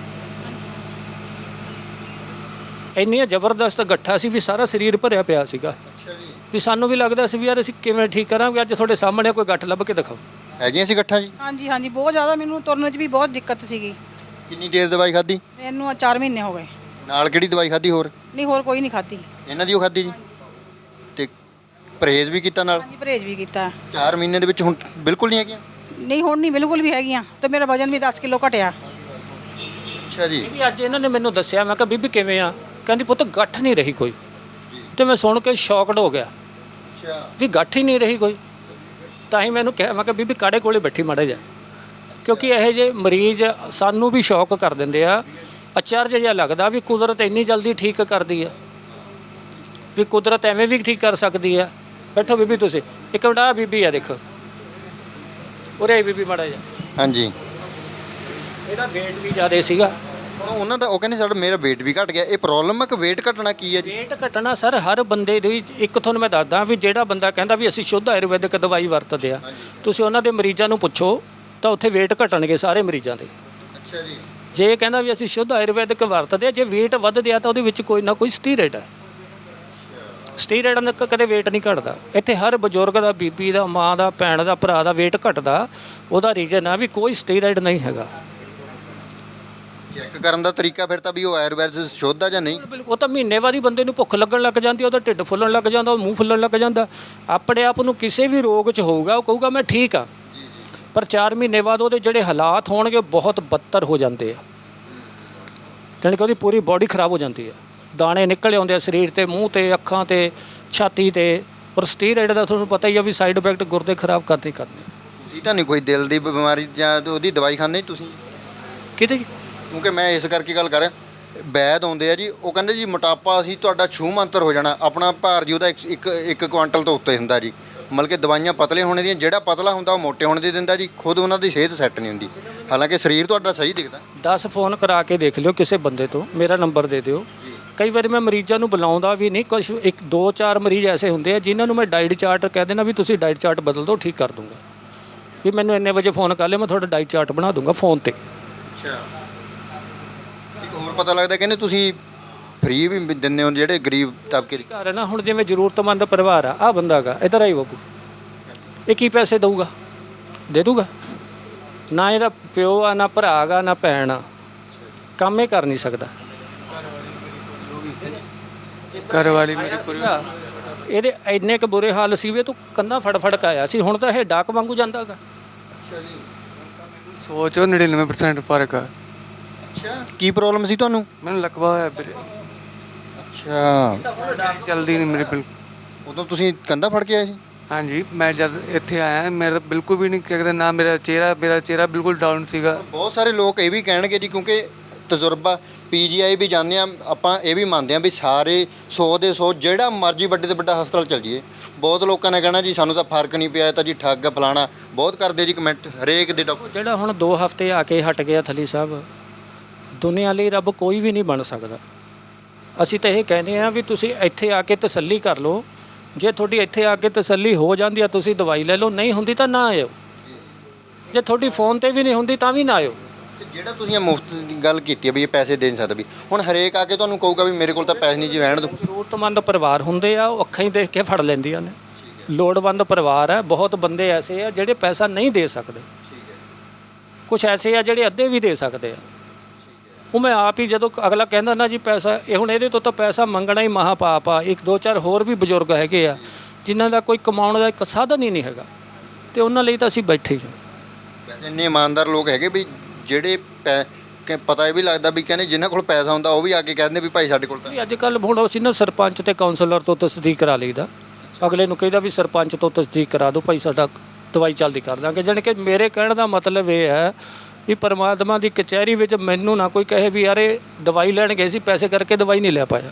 ਇੰਨੀਆਂ ਜ਼ਬਰਦਸਤ ਗੱਠਾਂ ਸੀ ਵੀ ਸਾਰਾ ਸਰੀਰ ਭਰਿਆ ਪਿਆ ਸੀਗਾ, ਅੱਛਾ ਜੀ। ਵੀ ਸਾਨੂੰ ਵੀ ਲੱਗਦਾ ਸੀ ਵੀ ਯਾਰ ਅਸੀਂ ਕਿਵੇਂ ਠੀਕ ਕਰਾਂਗੇ। ਅੱਜ ਤੁਹਾਡੇ ਸਾਹਮਣੇ ਕੋਈ ਗੱਠ ਲੱਭ ਕੇ ਦਿਖਾਓ। ਹੈਗੀਆਂ ਸੀ ਇਕੱਠਾ ਜੀ? ਹਾਂਜੀ ਹਾਂਜੀ, ਬਹੁਤ ਜ਼ਿਆਦਾ ਮੈਨੂੰ ਤੁਰਨ 'ਚ ਵੀ ਬਹੁਤ ਦਿੱਕਤ ਸੀਗੀ। ਕਿੰਨੀ ਦੇਰ ਦਵਾਈ ਖਾਧੀ? ਮੈਨੂੰ 4 ਮਹੀਨੇ ਹੋ ਗਏ। ਨਾਲ ਕਿਹੜੀ ਦਵਾਈ ਖਾਧੀ ਹੋਰ? ਨਹੀਂ, ਹੋਰ ਕੋਈ ਨਹੀਂ ਖਾਧੀ। ਇਹਨਾਂ ਦੀ ਉਹ ਖਾਧੀ ਜੀ? ਤੇ ਪਰਹੇਜ਼ ਵੀ ਕੀਤਾ ਨਾਲ? ਹਾਂਜੀ, ਪਰਹੇਜ਼ ਵੀ ਕੀਤਾ। 4 ਮਹੀਨੇ ਦੇ ਵਿੱਚ ਹੁਣ ਬਿਲਕੁਲ ਨਹੀਂ ਹੈਗੀਆਂ? ਨਹੀਂ, ਹੁਣ ਨਹੀਂ ਬਿਲਕੁਲ ਵੀ ਹੈਗੀਆਂ, ਤੇ ਮੇਰਾ ਵਜਨ ਵੀ 10 ਕਿਲੋ ਘਟਿਆ। ਅੱਛਾ ਜੀ। ਵੀ ਅੱਜ ਇਹਨਾਂ ਨੇ ਮੈਨੂੰ ਦੱਸਿਆ, ਮੈਂ ਕਿਹਾ ਬੀਬੀ ਕਿਵੇਂ ਆ? ਕਹਿੰਦੀ ਪੁੱਤ ਗੱਠ ਨਹੀਂ ਰਹੀ ਕੋਈ। ਤੇ ਮੈਂ ਸੁਣ ਕੇ ਸ਼ੌਕਡ ਹੋ ਗਿਆ ਅੱਛਾ। ਵੀ ਗੱਠ ਹੀ ਨਹੀਂ ਰਹੀ ਕੋਈ। ਤਾਂ ਹੀ ਮੈਨੂੰ ਕਿਹਾ, ਮੈਂ ਕਿਹਾ ਬੀਬੀ ਕਾੜੇ ਕੋਲੇ ਬੈਠੀ ਮਾੜਾ ਜਾ, ਕਿਉਂਕਿ ਇਹੋ ਜਿਹੇ ਮਰੀਜ਼ ਸਾਨੂੰ ਵੀ ਸ਼ੌਕ ਕਰ ਦਿੰਦੇ ਆ। ਅਚਰਜ ਜਿਹਾ ਲੱਗਦਾ ਵੀ ਕੁਦਰਤ ਇੰਨੀ ਜਲਦੀ ਠੀਕ ਕਰਦੀ ਆ, ਵੀ ਕੁਦਰਤ ਐਵੇਂ ਵੀ ਠੀਕ ਕਰ ਸਕਦੀ ਆ। ਬੈਠੋ ਬੀਬੀ ਤੁਸੀਂ ਇੱਕ ਮਿੰਟ। ਆ ਬੀਬੀ ਆ ਦੇਖੋ, ਉਰੇ ਬੀਬੀ ਮਾੜਾ ਜਾ। ਹਾਂਜੀ। ਇਹਦਾ ਵੇਟ ਵੀ ਜ਼ਿਆਦਾ ਸੀਗਾ। ਹੁਣ ਉਹਨਾਂ ਦਾ ਉਹ ਕਹਿੰਦੇ ਸਾਡਾ ਮੇਰਾ weight ਵੀ ਘਟ ਗਿਆ। ਇਹ ਪ੍ਰੋਬਲਮ ਹੈ ਕਿ weight ਘਟਣਾ ਕੀ ਹੈ ਜੀ? ਵੇਟ ਘਟਣਾ ਸਰ ਹਰ ਬੰਦੇ ਦੀ, ਇੱਕ ਤੁਹਾਨੂੰ ਮੈਂ ਦੱਸਦਾ ਵੀ ਜਿਹੜਾ ਬੰਦਾ ਕਹਿੰਦਾ ਵੀ ਅਸੀਂ ਸ਼ੁੱਧ ਆਯੁਰਵੈਦਿਕ ਦਵਾਈ ਵਰਤਦੇ ਆ, ਤੁਸੀਂ ਉਹਨਾਂ ਦੇ ਮਰੀਜ਼ਾਂ ਨੂੰ ਪੁੱਛੋ ਤਾਂ ਉੱਥੇ ਵੇਟ ਘਟਣਗੇ ਸਾਰੇ ਮਰੀਜ਼ਾਂ ਦੇ। ਅੱਛਾ ਜੀ। ਜੇ ਇਹ ਕਹਿੰਦਾ ਵੀ ਅਸੀਂ ਸ਼ੁੱਧ ਆਯੁਰਵੈਦਿਕ ਵਰਤਦੇ ਆ, ਜੇ ਵੇਟ ਵੱਧਦੇ ਆ ਤਾਂ ਉਹਦੇ ਵਿੱਚ ਕੋਈ ਨਾ ਕੋਈ ਸਟੀਰੋਇਡ ਹੈ। ਸਟੀਰੋਇਡ ਨਾਲ ਕਦੇ ਵੇਟ ਨਹੀਂ ਘਟਦਾ। ਇੱਥੇ ਹਰ ਬਜ਼ੁਰਗ ਦਾ, ਬੀਬੀ ਦਾ, ਮਾਂ ਦਾ, ਭੈਣ ਦਾ, ਭਰਾ ਦਾ ਵੇਟ ਘਟਦਾ। ਉਹਦਾ ਰੀਜ਼ਨ ਆ ਵੀ ਕੋਈ ਸਟੀਰੋਇਡ ਨਹੀਂ ਹੈਗਾ। ਚੈੱਕ ਕਰਨ ਦਾ ਤਰੀਕਾ ਫਿਰ ਤਾਂ ਵੀ ਉਹ ਆਯੁਰਵੈਦ ਸ਼ੁੱਧ ਆ ਜਾਂ ਨਹੀਂ? ਉਹ ਤਾਂ ਮਹੀਨੇ ਬਾਅਦ ਹੀ ਬੰਦੇ ਨੂੰ ਭੁੱਖ ਲੱਗਣ ਲੱਗ ਜਾਂਦੀ, ਉਹਦਾ ਢਿੱਡ ਫੁੱਲਣ ਲੱਗ ਜਾਂਦਾ, ਉਹ ਮੂੰਹ ਫੁੱਲਣ ਲੱਗ ਜਾਂਦਾ। ਆਪਣੇ ਆਪ ਨੂੰ ਕਿਸੇ ਵੀ ਰੋਗ 'ਚ ਹੋਊਗਾ ਉਹ ਕਹੂਗਾ ਮੈਂ ਠੀਕ ਆ, ਪਰ 4 ਮਹੀਨੇ ਬਾਅਦ ਉਹਦੇ ਜਿਹੜੇ ਹਾਲਾਤ ਹੋਣਗੇ ਬਹੁਤ ਬੱਤਰ ਹੋ ਜਾਂਦੇ ਆ। ਜਾਣੀ ਕਿ ਉਹਦੀ ਪੂਰੀ ਬਾਡੀ ਖਰਾਬ ਹੋ ਜਾਂਦੀ ਆ, ਦਾਣੇ ਨਿਕਲ ਆਉਂਦੇ ਆ ਸਰੀਰ ਤੇ, ਮੂੰਹ ਤੇ, ਅੱਖਾਂ ਤੇ, ਛਾਤੀ ਤੇ। ਔਰ ਸਟੀਰੋਇਡ ਦਾ ਤੁਹਾਨੂੰ ਪਤਾ ਹੀ ਆ ਵੀ ਸਾਈਡ ਇਫੈਕਟ ਗੁਰਦੇ ਖਰਾਬ ਕਰਦੇ ਤੁਸੀਂ ਤਾਂ ਨਹੀਂ ਕੋਈ ਦਿਲ ਦੀ ਬਿਮਾਰੀ ਜਾਂ ਉਹਦੀ ਦਵਾਈ ਖਾਂਦੇ ਤੁਸੀਂ? ਕਿਤੇ ਕਿਉਂਕਿ ਮੈਂ ਇਸ ਕਰਕੇ ਗੱਲ ਕਰ ਰਿਹਾ, ਵੈਦ ਆਉਂਦੇ ਆ ਜੀ, ਉਹ ਕਹਿੰਦੇ ਜੀ ਮੋਟਾਪਾ ਅਸੀਂ ਤੁਹਾਡਾ ਛੂਹ ਮੰਤਰ ਹੋ ਜਾਣਾ, ਆਪਣਾ ਭਾਰ ਜੀ ਉਹਦਾ ਇੱਕ ਕੁਆਂਟਲ ਤੋਂ ਉੱਤੇ ਹੁੰਦਾ ਜੀ। ਮਤਲਬ ਕਿ ਦਵਾਈਆਂ ਪਤਲੇ ਹੋਣੇ ਦੀਆਂ, ਜਿਹੜਾ ਪਤਲਾ ਹੁੰਦਾ ਉਹ ਮੋਟੇ ਹੋਣੇ ਦੀ ਦਿੰਦਾ ਜੀ। ਖੁਦ ਉਹਨਾਂ ਦੀ ਸਿਹਤ ਸੈੱਟ ਨਹੀਂ ਹੁੰਦੀ, ਹਾਲਾਂਕਿ ਸਰੀਰ ਤੁਹਾਡਾ ਸਹੀ ਦਿਖਦਾ। 10 ਫੋਨ ਕਰਾ ਕੇ ਦੇਖ ਲਿਓ ਕਿਸੇ ਬੰਦੇ ਤੋਂ, ਮੇਰਾ ਨੰਬਰ ਦੇ ਦਿਓ। ਕਈ ਵਾਰੀ ਮੈਂ ਮਰੀਜ਼ਾਂ ਨੂੰ ਬੁਲਾਉਂਦਾ ਵੀ ਨਹੀਂ, ਕੁਛ 1-2-4 ਮਰੀਜ਼ ਐਸੇ ਹੁੰਦੇ ਆ ਜਿਨ੍ਹਾਂ ਨੂੰ ਮੈਂ ਡਾਈਟ ਚਾਰਟ ਕਹਿ ਦੇਣਾ ਵੀ ਤੁਸੀਂ ਡਾਈਟ ਚਾਰਟ ਬਦਲ ਦਿਓ, ਠੀਕ ਕਰ ਦੂੰਗਾ। ਵੀ ਮੈਨੂੰ ਇੰਨੇ ਵਜੇ ਫੋਨ ਕਰ ਲਿਓ, ਮੈਂ ਤੁਹਾਡਾ ਡਾਈਟ ਚਾਰਟ ਬਣਾ ਦੂੰਗਾ ਫੋਨ ਤੇ। ਅੱਛਾ। ਇੱਕ ਹੋਰ ਪਤਾ ਲੱਗਦਾ ਕਹਿੰਦੇ ਤੁਸੀਂ ਫ੍ਰੀ ਵੀ ਦਿੰਦੇ ਹੋ ਜਿਹੜੇ ਗਰੀਬ ਤਬਕੇ ਦੇ। ਘਰ ਹੈ ਨਾ, ਹੁਣ ਜਿਵੇਂ ਜ਼ਰੂਰਤਮੰਦ ਪਰਿਵਾਰ ਆ, ਆਹ ਬੰਦਾ ਗਾ, ਇੱਧਰ ਆਈ ਬਾਪੂ, ਇਹ ਕੀ ਪੈਸੇ ਦਊਗਾ? ਦੇ ਦੂਗਾ? ਨਾ ਇਹਦਾ ਪਿਓ ਆ, ਨਾ ਭਰਾ ਗਾ, ਨਾ ਭੈਣ ਆ, ਕੰਮ ਇਹ ਕਰ ਨਹੀਂ ਸਕਦਾ। ਘਰ ਵਾਲੀ ਮੇਰੀ ਪੂਰੀ ਇਹਦੇ ਇੰਨੇ ਕੁ ਬੁਰੇ ਹਾਲ ਸੀ ਵੀ ਤੂੰ ਕੰਧਾਂ ਫੜ ਕੇ ਆਇਆ ਸੀ, ਹੁਣ ਤਾਂ ਇਹ ਡਾਕ ਵਾਂਗੂ ਜਾਂਦਾ ਗਾ। ਅੱਛਾ ਜੀ। ਸੋਚੋ 99% ਫਰਕ ਆ। ਅੱਛਾ, ਕੀ ਪ੍ਰੋਬਲਮ ਸੀ ਤੁਹਾਨੂੰ? ਮੈਨੂੰ ਲਕਵਾ ਹੋਇਆ ਵੀਰੇ, ਅੱਛਾ। ਚਲਦੀ ਨਹੀਂ ਮੇਰੀ ਬਿਲਕੁਲ। ਉਦੋਂ ਤੁਸੀਂ ਕੰਧਾ ਫੜ ਕੇ ਆਏ ਸੀ? ਹਾਂਜੀ, ਮੈਂ ਜਦ ਇੱਥੇ ਆਇਆ ਮੇਰਾ ਬਿਲਕੁਲ ਵੀ ਨਹੀਂ ਕਹਿੰਦਾ, ਨਾ ਮੇਰਾ ਚਿਹਰਾ ਬਿਲਕੁਲ ਡਾਊਨ ਸੀਗਾ। ਬਹੁਤ ਸਾਰੇ ਲੋਕ ਇਹ ਵੀ ਕਹਿਣਗੇ ਜੀ, ਕਿਉਂਕਿ ਤਜਰਬਾ PGI ਵੀ ਜਾਂਦੇ ਆ, ਆਪਾਂ ਇਹ ਵੀ ਮੰਨਦੇ ਆ ਵੀ ਸਾਰੇ 100 ਦੇ 100 ਜਿਹੜਾ ਮਰਜ਼ੀ ਵੱਡੇ ਤੋਂ ਵੱਡਾ ਹਸਪਤਾਲ ਚਲ ਜਾਈਏ, ਬਹੁਤ ਲੋਕਾਂ ਨੇ ਕਹਿਣਾ ਜੀ ਸਾਨੂੰ ਤਾਂ ਫਰਕ ਨਹੀਂ ਪਿਆ, ਤਾਂ ਜੀ ਠੱਗ ਫਲਾਣਾ ਬਹੁਤ ਕਰਦੇ ਜੀ ਕਮੈਂਟ ਹਰੇਕ ਦੇ ਡਾਕਟਰ। ਜਿਹੜਾ ਹੁਣ 2 ਹਫ਼ਤੇ ਆ ਕੇ ਹਟ ਗਿਆ ਥਲੀ ਸਾਹਿਬ, ਦੁਨੀਆ ਲਈ ਰੱਬ ਕੋਈ ਵੀ ਨਹੀਂ ਬਣ ਸਕਦਾ। ਅਸੀਂ ਤਾਂ ਇਹ ਕਹਿੰਦੇ ਆ ਵੀ ਤੁਸੀਂ ਇੱਥੇ ਆ ਕੇ ਤਸੱਲੀ ਕਰ ਲਓ। ਜੇ ਤੁਹਾਡੀ ਇੱਥੇ ਆ ਕੇ ਤਸੱਲੀ ਹੋ ਜਾਂਦੀ ਆ, ਤੁਸੀਂ ਦਵਾਈ ਲੈ ਲਓ, ਨਹੀਂ ਹੁੰਦੀ ਤਾਂ ਨਾ ਆਇਓ। ਜੇ ਤੁਹਾਡੀ ਫੋਨ ਤੇ ਵੀ ਨਹੀਂ ਹੁੰਦੀ ਤਾਂ ਵੀ ਨਾ ਆਇਓ। ਤੇ ਜਿਹੜਾ ਤੁਸੀਂ ਮੁਫਤ ਦੀ ਗੱਲ ਕੀਤੀ ਹੈ ਵੀ ਇਹ ਪੈਸੇ ਦੇ ਨਹੀਂ ਸਕਦਾ, ਵੀ ਹੁਣ ਹਰੇਕ ਆ ਕੇ ਤੁਹਾਨੂੰ ਕਹੂਗਾ ਵੀ ਮੇਰੇ ਕੋਲ ਤਾਂ ਪੈਸੇ ਨਹੀਂ ਜੀ, ਰਹਿਣ ਦਿਓ। ਜ਼ਰੂਰਤਮੰਦ ਪਰਿਵਾਰ ਹੁੰਦੇ ਆ, ਉਹ ਅੱਖਾਂ ਹੀ ਦੇਖ ਕੇ ਫੜ ਲੈਂਦੀਆਂ ਨੇ। ਲੋੜਵੰਦ ਪਰਿਵਾਰ ਹੈ, ਬਹੁਤ ਬੰਦੇ ਐਸੇ ਆ ਜਿਹੜੇ ਪੈਸਾ ਨਹੀਂ ਦੇ ਸਕਦੇ, ਕੁਝ ਐਸੇ ਆ ਜਿਹੜੇ ਅੱਧੇ ਵੀ ਦੇ ਸਕਦੇ ਆ। ਉਹ ਮੈਂ ਆਪ ਹੀ, ਜਦੋਂ ਅਗਲਾ ਕਹਿੰਦਾ ਨਾ ਜੀ ਪੈਸਾ, ਇਹ ਹੁਣ ਇਹਦੇ ਤੋਂ ਤਾਂ ਪੈਸਾ ਮੰਗਣਾ ਹੀ ਮਹਾ ਪਾਪ ਆ। 1-2-4 ਹੋਰ ਵੀ ਬਜ਼ੁਰਗ ਹੈਗੇ ਆ ਜਿਨ੍ਹਾਂ ਦਾ ਕੋਈ ਕਮਾਉਣ ਦਾ ਇੱਕ ਸਾਧਨ ਹੀ ਨਹੀਂ ਹੈਗਾ, ਤੇ ਉਹਨਾਂ ਲਈ ਤਾਂ ਅਸੀਂ ਬੈਠੇ ਹੀ ਹਾਂ। ਵੈਸੇ ਇੰਨੇ ਇਮਾਨਦਾਰ ਲੋਕ ਹੈਗੇ ਵੀ ਜਿਹੜੇ ਪਤਾ ਇਹ ਵੀ ਲੱਗਦਾ ਵੀ ਕਹਿੰਦੇ ਜਿਨ੍ਹਾਂ ਕੋਲ ਪੈਸਾ ਹੁੰਦਾ ਉਹ ਵੀ ਆ ਕੇ ਕਹਿੰਦੇ ਵੀ ਭਾਈ ਸਾਡੇ ਕੋਲ ਤਾਂ। ਵੀ ਅੱਜ ਕੱਲ੍ਹ ਹੁਣ ਅਸੀਂ ਨਾ ਸਰਪੰਚ ਤੇ ਕਾਉਂਸਲਰ ਤੋਂ ਤਸਦੀਕ ਕਰਾ ਲਈਦਾ, ਅਗਲੇ ਨੂੰ ਕਹਿੰਦਾ ਵੀ ਸਰਪੰਚ ਤੋਂ ਤਸਦੀਕ ਕਰਾ ਦਿਓ ਭਾਈ, ਸਾਡਾ ਦਵਾਈ ਚੱਲਦੀ ਕਰ ਦਾਂਗੇ। ਜਾਣੀ ਕਿ ਮੇਰੇ ਕਹਿਣ ਦਾ ਮਤਲਬ ਇਹ ਹੈ ਵੀ ਪਰਮਾਤਮਾ ਦੀ ਕਚਹਿਰੀ ਵਿੱਚ ਮੈਨੂੰ ਨਾ ਕੋਈ ਕਹੇ ਵੀ ਯਾਰ ਇਹ ਦਵਾਈ ਲੈਣ ਗਏ ਸੀ, ਪੈਸੇ ਕਰਕੇ ਦਵਾਈ ਨਹੀਂ ਲੈ ਪਾਇਆ।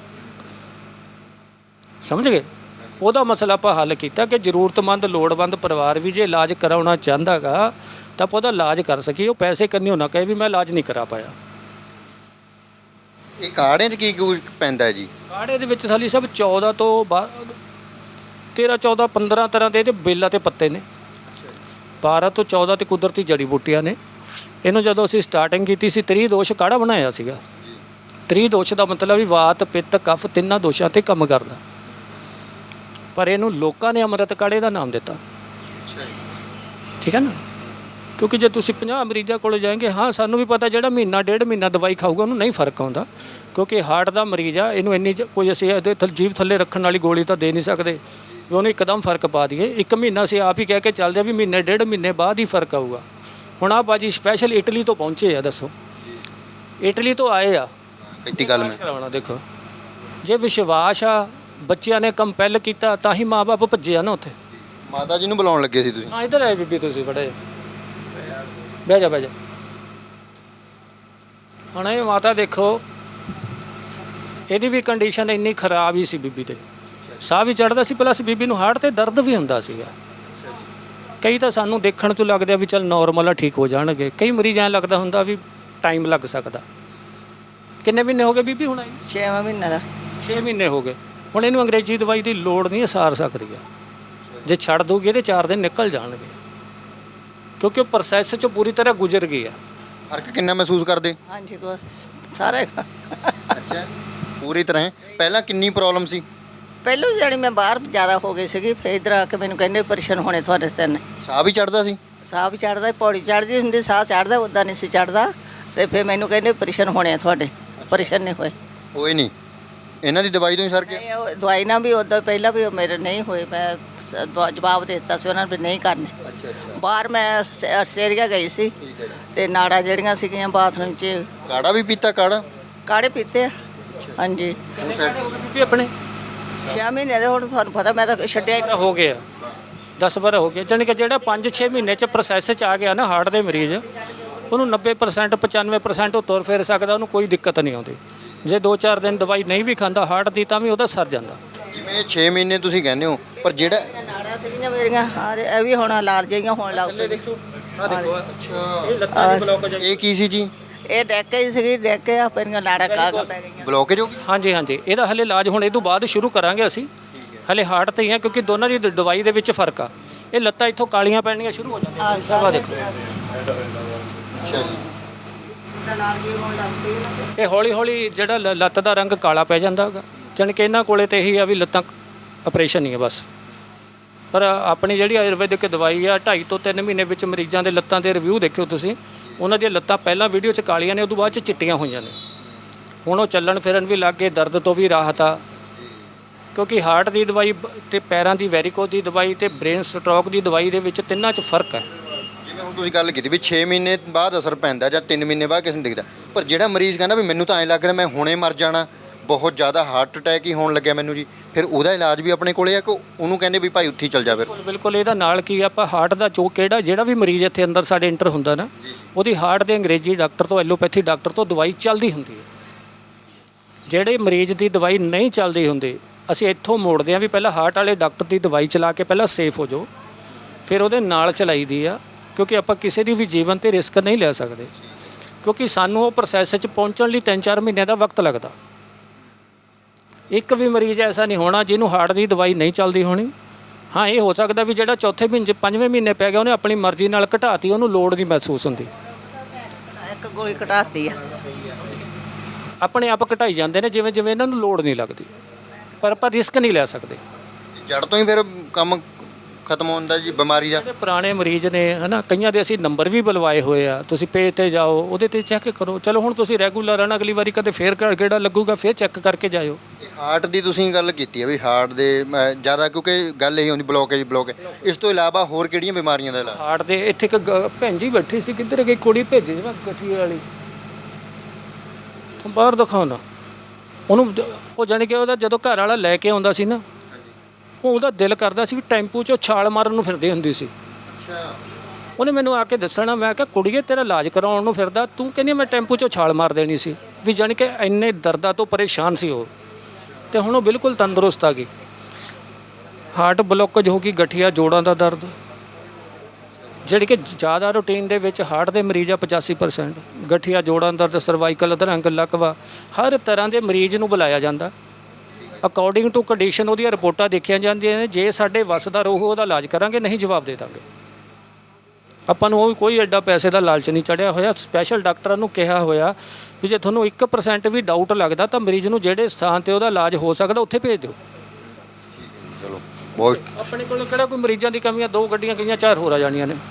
ਸਮਝ ਗਏ? ਉਹਦਾ ਮਸਲਾ ਆਪਾਂ ਹੱਲ ਕੀਤਾ ਕਿ ਜ਼ਰੂਰਤਮੰਦ ਲੋੜਵੰਦ ਪਰਿਵਾਰ ਵੀ ਜੇ ਇਲਾਜ ਕਰਾਉਣਾ ਚਾਹੁੰਦਾ ਗਾ ਤਾਂ ਆਪਾਂ ਉਹਦਾ ਇਲਾਜ ਕਰ ਸਕੀਏ। ਉਹ ਪੈਸੇ ਕੰਨਿਓ ਨਾ ਕਹੇ ਵੀ ਮੈਂ ਇਲਾਜ ਨਹੀਂ ਕਰਾ ਪਾਇਆ। ਇਹ ਕਾੜਿਆਂ 'ਚ ਕੀ ਕੁਝ ਪੈਂਦਾ ਹੈ ਜੀ? ਕਾੜੇ ਦੇ ਵਿੱਚ ਸਾਲੀ ਸਭ 14 ਤੋਂ 13 14 15 ਤਰ੍ਹਾਂ ਦੇ ਇਹਦੇ ਬੇਲਾਂ ਤੇ ਪੱਤੇ ਨੇ। 12 ਤੋਂ 14 ਤੇ ਕੁਦਰਤੀ ਜੜੀ ਬੂਟੀਆਂ ਨੇ। ਇਹਨੂੰ ਜਦੋਂ ਅਸੀਂ ਸਟਾਰਟਿੰਗ ਕੀਤੀ ਸੀ ਤ੍ਰਿਦੋਸ਼ ਕਾੜਾ ਬਣਾਇਆ ਸੀਗਾ। ਤ੍ਰਿਦੋਸ਼ ਦਾ ਮਤਲਬ ਵੀ ਵਾਤ ਪਿੱਤ ਕਫ ਤਿੰਨਾਂ ਦੋਸ਼ਾਂ ਤੇ ਕੰਮ ਕਰਦਾ, ਪਰ ਇਹਨੂੰ ਲੋਕਾਂ ਨੇ ਅੰਮ੍ਰਿਤ ਕਾੜੇ ਦਾ ਨਾਮ ਦਿੱਤਾ। ਠੀਕ ਹੈ ਨਾ, ਕਿਉਂਕਿ ਜੇ ਤੁਸੀਂ 50 ਮਰੀਜ਼ਾਂ ਕੋਲ ਜਾਏਂਗੇ, ਹਾਂ ਸਾਨੂੰ ਵੀ ਪਤਾ ਜਿਹੜਾ ਮਹੀਨਾ ਡੇਢ ਮਹੀਨਾ ਦਵਾਈ ਖਾਊਗਾ ਉਹਨੂੰ ਨਹੀਂ ਫਰਕ ਆਉਂਦਾ, ਕਿਉਂਕਿ ਹਾਰਟ ਦਾ ਮਰੀਜ਼ ਆ, ਇਹਨੂੰ ਇੰਨੀ ਕੋਈ ਅਸੀਂ ਇਹਦੇ ਜੀਭ ਥੱਲੇ ਰੱਖਣ ਵਾਲੀ ਗੋਲੀ ਤਾਂ ਦੇ ਨਹੀਂ ਸਕਦੇ ਵੀ ਉਹਨੂੰ ਇੱਕਦਮ ਫਰਕ ਪਾ ਦਈਏ। 1 ਮਹੀਨਾ ਅਸੀਂ ਆਪ ਹੀ ਕਹਿ ਕੇ ਚੱਲਦੇ ਵੀ ਮਹੀਨੇ ਡੇਢ ਮਹੀਨੇ ਬਾਅਦ ਹੀ ਫਰਕ ਆਊਗਾ। ਹੁਣ ਆਹ ਬਾਜੀ ਸਪੈਸ਼ਲ ਇਟਲੀ ਤੋਂ ਪਹੁੰਚੇ ਆ, ਦੱਸੋ ਇਟਲੀ ਤੋਂ ਆਏ ਆ ਕਿੱਡੀ ਗੱਲ ਮੈਂ ਕਰਾਉਣਾ। ਦੇਖੋ ਜੇ ਵਿਸ਼ਵਾਸ ਆ, ਬੱਚਿਆਂ ਨੇ ਕੰਪੈਲ ਕੀਤਾ ਤਾਂ ਹੀ ਮਾਂ-ਬਾਪ ਭੱਜੇ ਆ ਨਾ ਉੱਥੇ। ਮਾਤਾ ਜੀ ਨੂੰ ਬੁਲਾਉਣ ਲੱਗੇ ਸੀ ਤੁਸੀਂ? ਹਾਂ ਇੱਧਰ ਆਏ ਬੀਬੀ, ਤੁਸੀਂ ਬੜੇ ਬਹਿ ਜਾ ਬਹਿ ਜਾ। ਹੁਣ ਇਹ ਮਾਤਾ ਦੇਖੋ, ਇਹਦੀ ਵੀ ਕੰਡੀਸ਼ਨ ਇੰਨੀ ਖਰਾਬ ਹੀ ਸੀ ਬੀਬੀ ਤੇ, ਸਾਹ ਵੀ ਚੜ੍ਹਦਾ ਸੀ, ਪਲੱਸ ਬੀਬੀ ਨੂੰ ਹਾਰਟ ਤੇ ਦਰਦ ਵੀ ਹੁੰਦਾ ਸੀਗਾ। ਕਈ ਤਾਂ ਸਾਨੂੰ ਦੇਖਣ ਤੋਂ ਲੱਗਦਾ ਵੀ ਚੱਲ ਨੋਰਮਲ ਆ, ਠੀਕ ਹੋ ਜਾਣਗੇ। ਕਈ ਮਰੀਜ਼ ਐਂ ਲੱਗਦਾ ਹੁੰਦਾ ਵੀ ਟਾਈਮ ਲੱਗ ਸਕਦਾ। ਕਿੰਨੇ ਮਹੀਨੇ ਹੋ ਗਏ ਬੀਬੀ ਹੁਣ ਆਈ? 6 ਮਹੀਨੇ ਦਾ 6 ਮਹੀਨੇ ਹੋ ਗਏ। ਹੁਣ ਇਹਨੂੰ ਅੰਗਰੇਜ਼ੀ ਦਵਾਈ ਦੀ ਲੋੜ ਨਹੀਂ, ਸਾਰ ਸਕਦੀ ਆ। ਜੇ ਛੱਡ ਦੋਗੇ ਇਹਦੇ 4 ਦਿਨ ਨਿਕਲ ਜਾਣਗੇ, ਕਿਉਂਕਿ ਉਹ ਪ੍ਰੋਸੈਸ 'ਚੋਂ ਪੂਰੀ ਤਰ੍ਹਾਂ ਗੁਜ਼ਰ ਗਈ ਆ। ਫਰਕ ਕਿੰਨਾ ਮਹਿਸੂਸ ਕਰਦੇ? ਹਾਂਜੀ ਕੋ ਸਾਰੇ ਅੱਛਾ, ਪੂਰੀ ਤਰ੍ਹਾਂ। ਪਹਿਲਾਂ ਕਿੰਨੀ ਪ੍ਰੋਬਲਮ ਸੀ? ਪਹਿਲੋਂ ਜਿਹੜੀ ਮੈਂ ਬਾਹਰ ਜ਼ਿਆਦਾ ਹੋ ਗਈ ਸੀਗੀ, ਫਿਰ ਇੱਧਰ ਆ ਕੇ ਮੈਨੂੰ ਕਹਿੰਦੇ ਆਪਰੇਸ਼ਨ ਹੋਣੇ ਤੁਹਾਡੇ ਤਿੰਨ। ਸਾਹ ਵੀ ਚੜਦਾ ਸੀ? ਸਾਹ ਵੀ ਚੜਦਾ, ਪੌੜੀ ਚੜਦੀ ਹੁੰਦੀ, ਸਾਹ ਚੜਦਾ, ਉੱਦਾਂ ਨਹੀਂ ਸੀ ਚੜਦਾ। ਤੇ ਫਿਰ ਮੈਨੂੰ ਕਹਿੰਦੇ ਆਪਰੇਸ਼ਨ ਹੋਣੇ ਤੁਹਾਡੇ, ਆਪਰੇਸ਼ਨ ਨਹੀਂ ਹੋਏ। ਹੋਏ ਨਹੀਂ? ਇਹਨਾਂ ਦੀ ਦਵਾਈ ਤੋਂ ਹੀ ਸਰ ਗਿਆ? ਨਹੀਂ, ਉਹ ਦਵਾਈ ਨਾਲ ਵੀ ਉੱਦਾਂ ਪਹਿਲਾਂ ਵੀ ਉਹ ਮੇਰੇ ਨਹੀਂ ਹੋਏ। ਮੈਂ ਜਵਾਬ ਦੇ ਦਿੱਤਾ ਸੀ ਉਹਨਾਂ ਨੇ ਵੀ ਨਹੀਂ ਕਰਨੇ। ਅੱਛਾ ਅੱਛਾ, ਬਾਹਰ ਮੈਂ ਆਸਟ੍ਰੇਲੀਆ ਗਈ ਸੀ, ਠੀਕ ਹੈ ਜੀ। ਤੇ ਨਾੜਾਂ ਜਿਹੜੀਆਂ ਸੀਗੀਆਂ ਬਾਥਰੂਮ 'ਚ ਕਾੜਾ ਵੀ ਪੀਤਾ? ਕਾੜਾ ਕਾੜੇ ਪੀਤੇ ਆ। ਹਾਂਜੀ ਉਹ side ਬੀਬੀ ਆਪਣੇ 6 ਮਹੀਨੇ ਦੇ ਹੁਣ ਤੁਹਾਨੂੰ ਪਤਾ ਮੈਂ ਤਾਂ ਛੱਡਿਆ ਹੀ ਨਹੀਂ। ਹੋ ਗਿਆ 10 ਵਾਰ ਹੋ ਗਿਆ, ਜਾਣੀ ਕਿ ਜਿਹੜਾ 5-6 ਮਹੀਨੇ 'ਚ ਪ੍ਰੋਸੈਸ 'ਚ ਆ ਗਿਆ ਨਾ ਹਾਰਟ ਦੇ ਮਰੀਜ਼, ਉਹਨੂੰ 90% 95% ਉਹ ਤੁਰ ਫਿਰ ਸਕਦਾ, ਉਹਨੂੰ ਕੋਈ ਦਿੱਕਤ ਨਹੀਂ ਆਉਂਦੀ। ਜੇ 2-4 ਦਿਨ ਦਵਾਈ ਨਹੀਂ ਵੀ ਖਾਂਦਾ ਹਾਰਟ ਦੀ ਤਾਂ ਵੀ ਉਹਦਾ ਸਰ ਜਾਂਦਾ। ਜਿਵੇਂ 6 ਮਹੀਨੇ ਤੁਸੀਂ ਕਹਿੰਦੇ ਹੋ, ਪਰ ਜਿਹੜਾ ਨਾੜਾਂ ਸੀਗੀਆਂ ਮੇਰੀਆਂ, ਆਹ ਤੇ ਇਹ ਵੀ ਹੁਣ ਲਾਲ ਜਿਹੀਆਂ ਹੋਣ ਲੱਗ ਪਈਆਂ। ਅੱਛਾ, ਇਹ ਲੱਤਾਂ ਦੀ ਬਲੌਕ ਇਹ ਕੀ ਸੀ ਜੀ? ਇਹ ਡੈਕ ਹੀ ਸੀਗੀ, ਡੈਕ ਆ ਮੇਰੀਆਂ ਨਾੜਾਂ ਕਾਗਾ ਪੈ ਗਈਆਂ। ਬਲੋਕੇਜ ਹੋ ਗਈ? ਹਾਂਜੀ ਹਾਂਜੀ, ਇਹਦਾ ਹਲੇ ਇਲਾਜ ਹੁਣ ਇਹ ਤੋਂ ਬਾਅਦ ਸ਼ੁਰੂ ਕਰਾਂਗੇ ਅਸੀਂ। ਹਲੇ ਹਾਰਟ ਤੇ ਹੀ ਆ, ਕਿਉਂਕਿ ਦੋਨਾਂ ਦੀ ਦਵਾਈ ਦੇ ਵਿੱਚ ਫਰਕ ਆ। ਇਹ ਲੱਤਾਂ ਇੱਥੋਂ ਕਾਲੀਆਂ ਪੈਣੀਆਂ ਸ਼ੁਰੂ ਹੋ ਜਾਂਦੀਆਂ। ਆਹ ਦੇਖੋ, ਅੱਛਾ ਜੀ। ਲਾਲ ਜਿਹੀ ਹੋਣ ਲੱਗ ਪਈ ਨਾ। ਇਹ ਹੌਲੀ ਹੌਲੀ ਜਿਹੜਾ ਲੱਤ ਦਾ ਰੰਗ ਕਾਲਾ ਪੈ ਜਾਂਦਾ ਹੈਗਾ। ਜਾਣੀ ਕਿ ਇਹਨਾਂ ਕੋਲੇ ਤੇ ਇਹੀ ਆ ਵੀ ਲੱਤਾਂ ਆਪਰੇਸ਼ਨ ਹੀ ਆ ਬਸ। ਪਰ ਆਪਣੀ ਜਿਹੜੀ ਆਯੁਰਵੈਦਿਕ ਦਵਾਈ ਆ 2.5 ਤੋਂ 3 ਮਹੀਨੇ ਵਿੱਚ ਮਰੀਜ਼ਾਂ ਦੇ ਲੱਤਾਂ ਦੇ ਰਿਵਿਊ ਦੇਖਿਓ ਤੁਸੀਂ, ਉਹਨਾਂ ਦੀਆਂ ਲੱਤਾਂ ਪਹਿਲਾਂ ਵੀਡੀਓ 'ਚ ਕਾਲੀਆਂ ਨੇ, ਉਦੋਂ ਬਾਅਦ 'ਚ ਚਿੱਟੀਆਂ ਹੋਈਆਂ ਨੇ। ਹੁਣ ਉਹ ਚੱਲਣ ਫਿਰਨ ਵੀ ਲੱਗ ਗਏ, ਦਰਦ ਤੋਂ ਵੀ ਰਾਹਤ ਆ। ਕਿਉਂਕਿ ਹਾਰਟ ਦੀ ਦਵਾਈ ਤੇ ਪੈਰਾਂ ਦੀ ਵੈਰੀਕੋਜ਼ ਦੀ ਦਵਾਈ ਤੇ ਬ੍ਰੇਨ ਸਟ੍ਰੋਕ ਦੀ ਦਵਾਈ ਦੇ ਵਿੱਚ ਤਿੰਨਾਂ 'ਚ ਫਰਕ ਹੈ। ਜਿਵੇਂ ਹੁਣ ਤੁਸੀਂ ਗੱਲ ਕੀਤੀ ਵੀ 6 ਮਹੀਨੇ ਬਾਅਦ ਅਸਰ ਪੈਂਦਾ ਜਾਂ 3 ਮਹੀਨੇ ਬਾਅਦ ਕਿਸੇ ਨੂੰ ਦਿਖਦਾ, ਪਰ ਜਿਹੜਾ ਮਰੀਜ਼ ਕਹਿੰਦਾ ਵੀ ਮੈਨੂੰ ਤਾਂ ਐਂ ਲੱਗ ਰਿਹਾ ਮੈਂ ਹੁਣੇ ਮਰ ਜਾਣਾ, ਬਹੁਤ ਜ਼ਿਆਦਾ ਹਾਰਟ ਅਟੈਕ ਹੀ ਹੋਣ ਲੱਗਿਆ ਮੈਨੂੰ ਜੀ, ਫਿਰ ਉਹਦਾ ਇਲਾਜ ਵੀ ਆਪਣੇ ਕੋਲੇ ਆ ਕਿ ਉਹਨੂੰ ਕਹਿੰਦੇ ਵੀ ਭਾਈ ਉੱਥੇ ਹੀ ਚੱਲ ਜਾ? ਫਿਰ ਬਿਲਕੁਲ ਇਹਦਾ ਨਾਲ ਕੀ ਆਪਾਂ ਹਾਰਟ ਦਾ ਜਿਹੜਾ ਵੀ ਮਰੀਜ਼ ਇੱਥੇ ਅੰਦਰ ਸਾਡੇ ਇੰਟਰ ਹੁੰਦਾ ਨਾ, ਉਹਦੀ ਹਾਰਟ ਦੇ ਅੰਗਰੇਜ਼ੀ ਡਾਕਟਰ ਤੋਂ ਐਲੋਪੈਥੀ ਡਾਕਟਰ ਤੋਂ ਦਵਾਈ ਚੱਲਦੀ ਹੁੰਦੀ ਹੈ। ਜਿਹੜੇ ਮਰੀਜ਼ ਦੀ ਦਵਾਈ ਨਹੀਂ ਚੱਲਦੀ ਹੁੰਦੀ, ਅਸੀਂ ਇੱਥੋਂ ਮੋੜਦੇ ਹਾਂ ਵੀ ਪਹਿਲਾਂ ਹਾਰਟ ਵਾਲੇ ਡਾਕਟਰ ਦੀ ਦਵਾਈ ਚਲਾ ਕੇ ਪਹਿਲਾਂ ਸੇਫ ਹੋ ਜਾਓ, ਫਿਰ ਉਹਦੇ ਨਾਲ ਚਲਾਈਦੀ ਆ। ਕਿਉਂਕਿ ਆਪਾਂ ਕਿਸੇ ਦੀ ਵੀ ਜੀਵਨ ਤੇ ਰਿਸਕ ਨਹੀਂ ਲੈ ਸਕਦੇ, ਕਿਉਂਕਿ ਸਾਨੂੰ ਉਹ ਪ੍ਰੋਸੈਸ 'ਚ ਪਹੁੰਚਣ ਲਈ 3-4 ਮਹੀਨਿਆਂ ਦਾ ਵਕਤ ਲੱਗਦਾ। ਇੱਕ ਵੀ ਮਰੀਜ਼ ਐਸਾ ਨਹੀਂ ਹੋਣਾ ਜਿਹਨੂੰ ਹਾਰਟ ਦੀ ਦਵਾਈ ਨਹੀਂ ਚੱਲਦੀ ਹੋਣੀ। ਹਾਂ, ਇਹ ਹੋ ਸਕਦਾ ਵੀ ਜਿਹੜਾ ਚੌਥੇ ਮਹੀਨੇ 5ਵੇਂ ਮਹੀਨੇ ਪੈ ਗਿਆ ਉਹਨੇ ਆਪਣੀ ਮਰਜ਼ੀ ਨਾਲ ਘਟਾਤੀ, ਉਹਨੂੰ ਲੋੜ ਨਹੀਂ ਮਹਿਸੂਸ ਹੁੰਦੀ। ਇੱਕ ਗੋਲੀ ਘਟਾਤੀ ਆ। ਆਪਣੇ ਆਪ ਘਟਾਈ ਜਾਂਦੇ ਨੇ ਜਿਵੇਂ ਜਿਵੇਂ ਇਹਨਾਂ ਨੂੰ ਲੋੜ ਨਹੀਂ ਲੱਗਦੀ, ਪਰ ਆਪਾਂ ਰਿਸਕ ਨਹੀਂ ਲੈ ਸਕਦੇ। ਜੜ ਤੋਂ ਹੀ ਫਿਰ ਕੰਮ ਖਤਮ ਹੁੰਦਾ ਜੀ ਬਿਮਾਰੀ ਦਾ? ਜਿਹੜੇ ਪੁਰਾਣੇ ਮਰੀਜ਼ ਨੇ ਹਨਾ, ਕਈਆਂ ਦੇ ਅਸੀਂ ਨੰਬਰ ਵੀ ਬੁਲਵਾਏ ਹੋਏ ਆ, ਤੁਸੀਂ ਪੇਜ ਤੇ ਜਾਓ, ਉਹਦੇ ਤੇ ਚੈੱਕ ਕਰੋ। ਚਲੋ ਹੁਣ ਤੁਸੀਂ ਰੈਗੂਲਰ ਆਣਾ, ਅਗਲੀ ਵਾਰੀ ਕਦੇ ਫੇਰ ਕਿਹੜਾ ਲੱਗੂਗਾ, ਫੇਰ ਚੈੱਕ ਕਰਕੇ ਜਾਇਓ। ਹਾਰਟ ਦੀ ਤੁਸੀਂ ਗੱਲ ਕੀਤੀ ਹੈ ਵੀ ਹਾਰਟ ਦੇ ਜ਼ਿਆਦਾ, ਕਿਉਂਕਿ ਗੱਲ ਇਹੀ ਹੁੰਦੀ ਬਲੋਕੇਜ। ਇਸ ਤੋਂ ਇਲਾਵਾ ਹੋਰ ਕਿਹੜੀਆਂ ਬਿਮਾਰੀਆਂ ਦਾ ਇਲਾਜ? ਹਾਰਟ ਦੇ ਇੱਥੇ ਇੱਕ ਭੈਣ ਜੀ ਬੈਠੀ ਸੀ, ਕਿੱਧਰ ਗਈ ਕੁੜੀ ਭੇਜੀ ਸੀ ਮੈਂ ਗਠੀਏ ਵਾਲੀ, ਬਾਹਰ ਦਿਖਾਉਣਾ ਉਹਨੂੰ। ਉਹ ਜਾਣੀ ਕਿ ਉਹਦਾ ਜਦੋਂ ਘਰ ਵਾਲਾ ਲੈ ਕੇ ਆਉਂਦਾ ਸੀ ਨਾ, ਉਹਦਾ ਦਿਲ ਕਰਦਾ ਸੀ ਵੀ ਟੈਂਪੂ 'ਚੋਂ ਛਾਲ ਮਾਰਨ ਨੂੰ ਫਿਰਦੀ ਹੁੰਦੀ ਸੀ। ਅੱਛਾ, ਉਹਨੇ ਮੈਨੂੰ ਆ ਕੇ ਦੱਸਣਾ, ਮੈਂ ਕਿਹਾ ਕੁੜੀਏ ਤੇਰਾ ਇਲਾਜ ਕਰਾਉਣ ਨੂੰ ਫਿਰਦਾ, ਤੂੰ ਕਹਿੰਦੀ ਮੈਂ ਟੈਂਪੂ 'ਚੋਂ ਛਾਲ ਮਾਰ ਦੇਣੀ ਸੀ। ਵੀ ਜਾਣੀ ਕਿ ਇੰਨੇ ਦਰਦਾਂ ਤੋਂ ਪਰੇਸ਼ਾਨ ਸੀ ਉਹ, ਤੇ ਹੁਣ ਉਹ ਬਿਲਕੁਲ ਤੰਦਰੁਸਤ ਆ ਗਈ। ਹਾਰਟ ਬਲੋਕੇਜ ਹੋ ਗਈ, ਗਠੀਆ ਜੋੜਾਂ ਦਾ ਦਰਦ, ਜਿਹੜੀ ਕਿ ਜ਼ਿਆਦਾ ਰੂਟੀਨ ਦੇ ਵਿੱਚ ਹਾਰਟ ਦੇ ਮਰੀਜ਼ ਆ 85%, ਗਠੀਆ ਜੋੜਾਂ ਦਰਦ, ਸਰਵਾਈਕਲ ਅਧਰੰਗ ਲਕਵਾ, ਹਰ ਤਰ੍ਹਾਂ ਦੇ ਮਰੀਜ਼ ਨੂੰ ਬੁਲਾਇਆ ਜਾਂਦਾ। ਅਕੋਰਡਿੰਗ ਟੂ ਕੰਡੀਸ਼ਨ ਉਹਦੀਆਂ ਰਿਪੋਰਟਾਂ ਦੇਖੀਆਂ ਜਾਂਦੀਆਂ ਨੇ। ਜੇ ਸਾਡੇ ਵੱਸ ਦਾ ਰਹੂ ਉਹਦਾ ਇਲਾਜ ਕਰਾਂਗੇ, ਨਹੀਂ ਜਵਾਬ ਦੇ ਦਾਂਗੇ। ਆਪਾਂ ਨੂੰ ਉਹ ਕੋਈ ਐਡਾ ਪੈਸੇ ਦਾ ਲਾਲਚ ਨਹੀਂ ਚੜਿਆ ਹੋਇਆ। ਸਪੈਸ਼ਲ ਡਾਕਟਰਾਂ ਨੂੰ ਕਿਹਾ ਹੋਇਆ ਵੀ ਜੇ ਤੁਹਾਨੂੰ 1% ਵੀ ਡਾਊਟ ਲੱਗਦਾ ਤਾਂ ਮਰੀਜ਼ ਨੂੰ ਜਿਹੜੇ ਸਥਾਨ ਤੇ ਉਹਦਾ ਇਲਾਜ ਹੋ ਸਕਦਾ ਉੱਥੇ ਭੇਜ ਦਿਓ। ਚਲੋ ਬਹੁਤ ਆਪਣੇ ਕੋਲ ਕਿਹੜਾ ਕੋਈ ਮਰੀਜ਼ਾਂ ਦੀ ਕਮੀਆਂ, 2 ਗੱਡੀਆਂ ਗਈਆਂ 4 ਹੋਰ ਆ ਜਾਣੀਆਂ ਨੇ।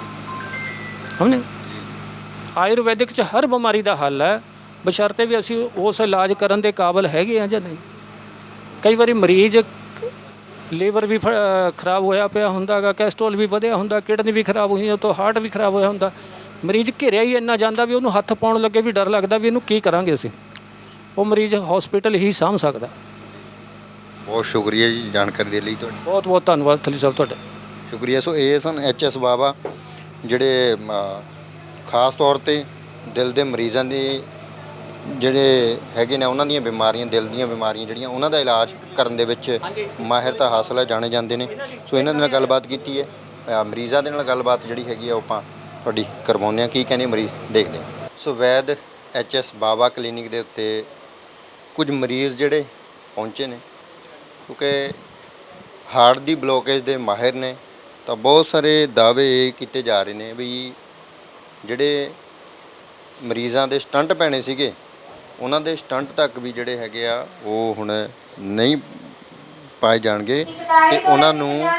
ਸਮਝੇ? ਆਯੁਰਵੈਦਿਕ 'ਚ ਹਰ ਬਿਮਾਰੀ ਦਾ ਹੱਲ ਹੈ, ਬਸ਼ਰਤੇ ਵੀ ਅਸੀਂ ਉਸ ਇਲਾਜ ਕਰਨ ਦੇ ਕਾਬਿਲ ਹੈਗੇ ਆ ਜਾਂ ਨਹੀਂ। ਕਈ ਵਾਰੀ ਮਰੀਜ਼ ਲੀਵਰ ਵੀ ਖਰਾਬ ਹੋਇਆ ਪਿਆ ਹੁੰਦਾ ਗਾ, ਕੈਸਟਰੋਲ ਵੀ ਵਧਿਆ ਹੁੰਦਾ, ਕਿਡਨੀ ਵੀ ਖਰਾਬ ਹੋਈ, ਉਹ ਤੋਂ ਹਾਰਟ ਵੀ ਖਰਾਬ ਹੋਇਆ ਹੁੰਦਾ। ਮਰੀਜ਼ ਘਿਰਿਆ ਹੀ ਇੰਨਾ ਜਾਂਦਾ ਵੀ ਉਹਨੂੰ ਹੱਥ ਪਾਉਣ ਲੱਗੇ ਵੀ ਡਰ ਲੱਗਦਾ ਵੀ ਇਹਨੂੰ ਕੀ ਕਰਾਂਗੇ ਅਸੀਂ। ਉਹ ਮਰੀਜ਼ ਹਸਪੀਟਲ ਹੀ ਸਾਂਭ ਸਕਦਾ। ਬਹੁਤ ਸ਼ੁਕਰੀਆ ਜੀ ਜਾਣਕਾਰੀ ਦੇ ਲਈ ਤੁਹਾਡਾ। ਬਹੁਤ ਬਹੁਤ ਧੰਨਵਾਦ ਥਲੀ ਸਾਹਿਬ ਤੁਹਾਡਾ। ਸ਼ੁਕਰੀਆ। ਸੋ ਇਹ ਸਨ HS ਬਾਵਾ, ਜਿਹੜੇ ਖਾਸ ਤੌਰ ਤੇ ਦਿਲ ਦੇ ਮਰੀਜ਼ਾਂ ਦੀ ਜਿਹੜੇ ਹੈਗੇ ਨੇ, ਉਹਨਾਂ ਦੀਆਂ ਬਿਮਾਰੀਆਂ, ਦਿਲ ਦੀਆਂ ਬਿਮਾਰੀਆਂ ਜਿਹੜੀਆਂ, ਉਹਨਾਂ ਦਾ ਇਲਾਜ ਕਰਨ ਦੇ ਵਿੱਚ ਮਾਹਿਰਤਾ ਹਾਸਲ ਹੈ, ਜਾਣੇ ਜਾਂਦੇ ਨੇ। ਸੋ ਇਹਨਾਂ ਦੇ ਨਾਲ ਗੱਲਬਾਤ ਕੀਤੀ ਹੈ। ਮਰੀਜ਼ਾਂ ਦੇ ਨਾਲ ਗੱਲਬਾਤ ਜਿਹੜੀ ਹੈਗੀ ਆ ਉਹ ਆਪਾਂ ਤੁਹਾਡੀ ਕਰਵਾਉਂਦੇ ਹਾਂ। ਕੀ ਕਹਿੰਦੇ ਮਰੀਜ਼, ਦੇਖਦੇ ਹਾਂ। ਸੋ ਵੈਦ HS ਬਾਵਾ ਕਲੀਨਿਕ ਦੇ ਉੱਤੇ ਕੁਝ ਮਰੀਜ਼ ਜਿਹੜੇ ਪਹੁੰਚੇ ਨੇ, ਕਿਉਂਕਿ ਹਾਰਟ ਦੀ ਬਲੋਕੇਜ ਦੇ ਮਾਹਿਰ ਨੇ, ਤਾਂ ਬਹੁਤ ਸਾਰੇ ਦਾਅਵੇ ਇਹ ਕੀਤੇ ਜਾ ਰਹੇ ਨੇ ਵੀ ਜਿਹੜੇ ਮਰੀਜ਼ਾਂ ਦੇ ਸਟੰਟ ਪੈਣੇ ਸੀਗੇ, ਉਹਨਾਂ ਦੇ ਸਟੰਟ ਤੱਕ ਵੀ ਜਿਹੜੇ ਹੈਗੇ ਆ ਉਹ ਹੁਣ ਨਹੀਂ ਪਾਏ ਜਾਣਗੇ, ਤੇ ਉਹਨਾਂ ਨੂੰ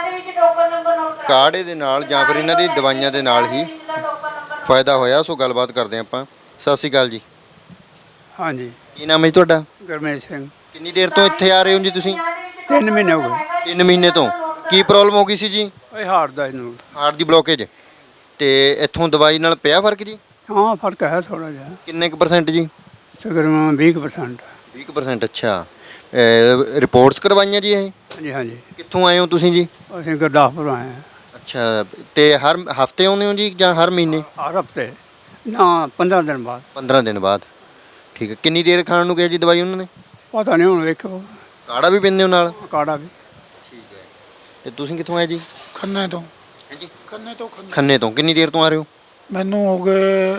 ਕਾੜੇ ਦੇ ਨਾਲ ਜਾਂ ਫਿਰ ਇਹਨਾਂ ਦੀ ਦਵਾਈਆਂ ਦੇ ਨਾਲ ਹੀ ਫਾਇਦਾ ਹੋਇਆ। ਸੋ ਗੱਲਬਾਤ ਕਰਦੇ ਆਪਾਂ। ਸਤਿ ਸ਼੍ਰੀ ਅਕਾਲ ਜੀ। ਹਾਂਜੀ, ਕੀ ਨਾਮ ਹੈ ਜੀ ਤੁਹਾਡਾ? ਗੁਰਮੇਸ਼ ਸਿੰਘ। ਕਿੰਨੀ ਦੇਰ ਤੋਂ ਇੱਥੇ ਆ ਰਹੇ ਹੋ ਜੀ ਤੁਸੀਂ? 3 ਮਹੀਨੇ ਹੋ ਗਏ। 3 ਮਹੀਨੇ ਤੋਂ। ਕੀ ਪ੍ਰੋਬਲਮ ਹੋ ਗਈ ਸੀ ਜੀ? ਇਹ ਹਾਰਟ ਦਾ ਇਹਨੂੰ। ਹਾਰਟ ਦੀ ਬਲੋਕੇਜ। ਤੇ ਇੱਥੋਂ ਦਵਾਈ ਨਾਲ ਪਿਆ ਫਰਕ ਜੀ? ਹਾਂ, ਫਰਕ ਹੈ ਥੋੜਾ ਜਿਹਾ। ਕਿੰਨੇ ਕੁ % ਜੀ? ਤਕਰੀਬਨ 20%। 20%। ਅੱਛਾ। ਰਿਪੋਰਟਸ ਕਰਵਾਈਆਂ ਜੀ ਇਹ? ਹਾਂਜੀ ਹਾਂਜੀ। ਕਿੱਥੋਂ ਆਏ ਹੋ ਤੁਸੀਂ ਜੀ? ਅਸੀਂ ਗੁਰਦਾਸਪੁਰ ਆਏ ਹਾਂ। ਅੱਛਾ। ਤੇ ਹਰ ਹਫਤੇ ਆਉਂਦੇ ਹੋ ਜੀ ਜਾਂ ਹਰ ਮਹੀਨੇ? ਹਰ ਹਫਤੇ ਨਾ, 15 ਦਿਨ ਬਾਅਦ। 15 ਦਿਨ ਬਾਅਦ। ਠੀਕ ਹੈ। ਕਿੰਨੀ ਦੇਰ ਖਾਣ ਨੂੰ ਕਿਹਾ ਜੀ ਦਵਾਈ ਉਹਨਾਂ ਨੇ? ਪਤਾ ਨਹੀਂ, ਹੁਣ ਵੇਖੋ। ਕਾੜਾ ਵੀ ਪੀਂਦੇ ਹੋ ਨਾਲ? ਕਾੜਾ ਵੀ। ਠੀਕ ਹੈ। ਤੇ ਤੁਸੀਂ ਕਿੱਥੋਂ ਆਏ ਜੀ? ਖੰਨੇ ਤੋਂ। ਜੀ ਖੰਨੇ ਤੋਂ। ਖੰਨੇ ਤੋਂ। ਕਿੰਨੀ ਦੇਰ ਤੋਂ ਆ ਰਹੇ ਹੋ? ਮੈਨੂੰ ਹੋ ਗਏ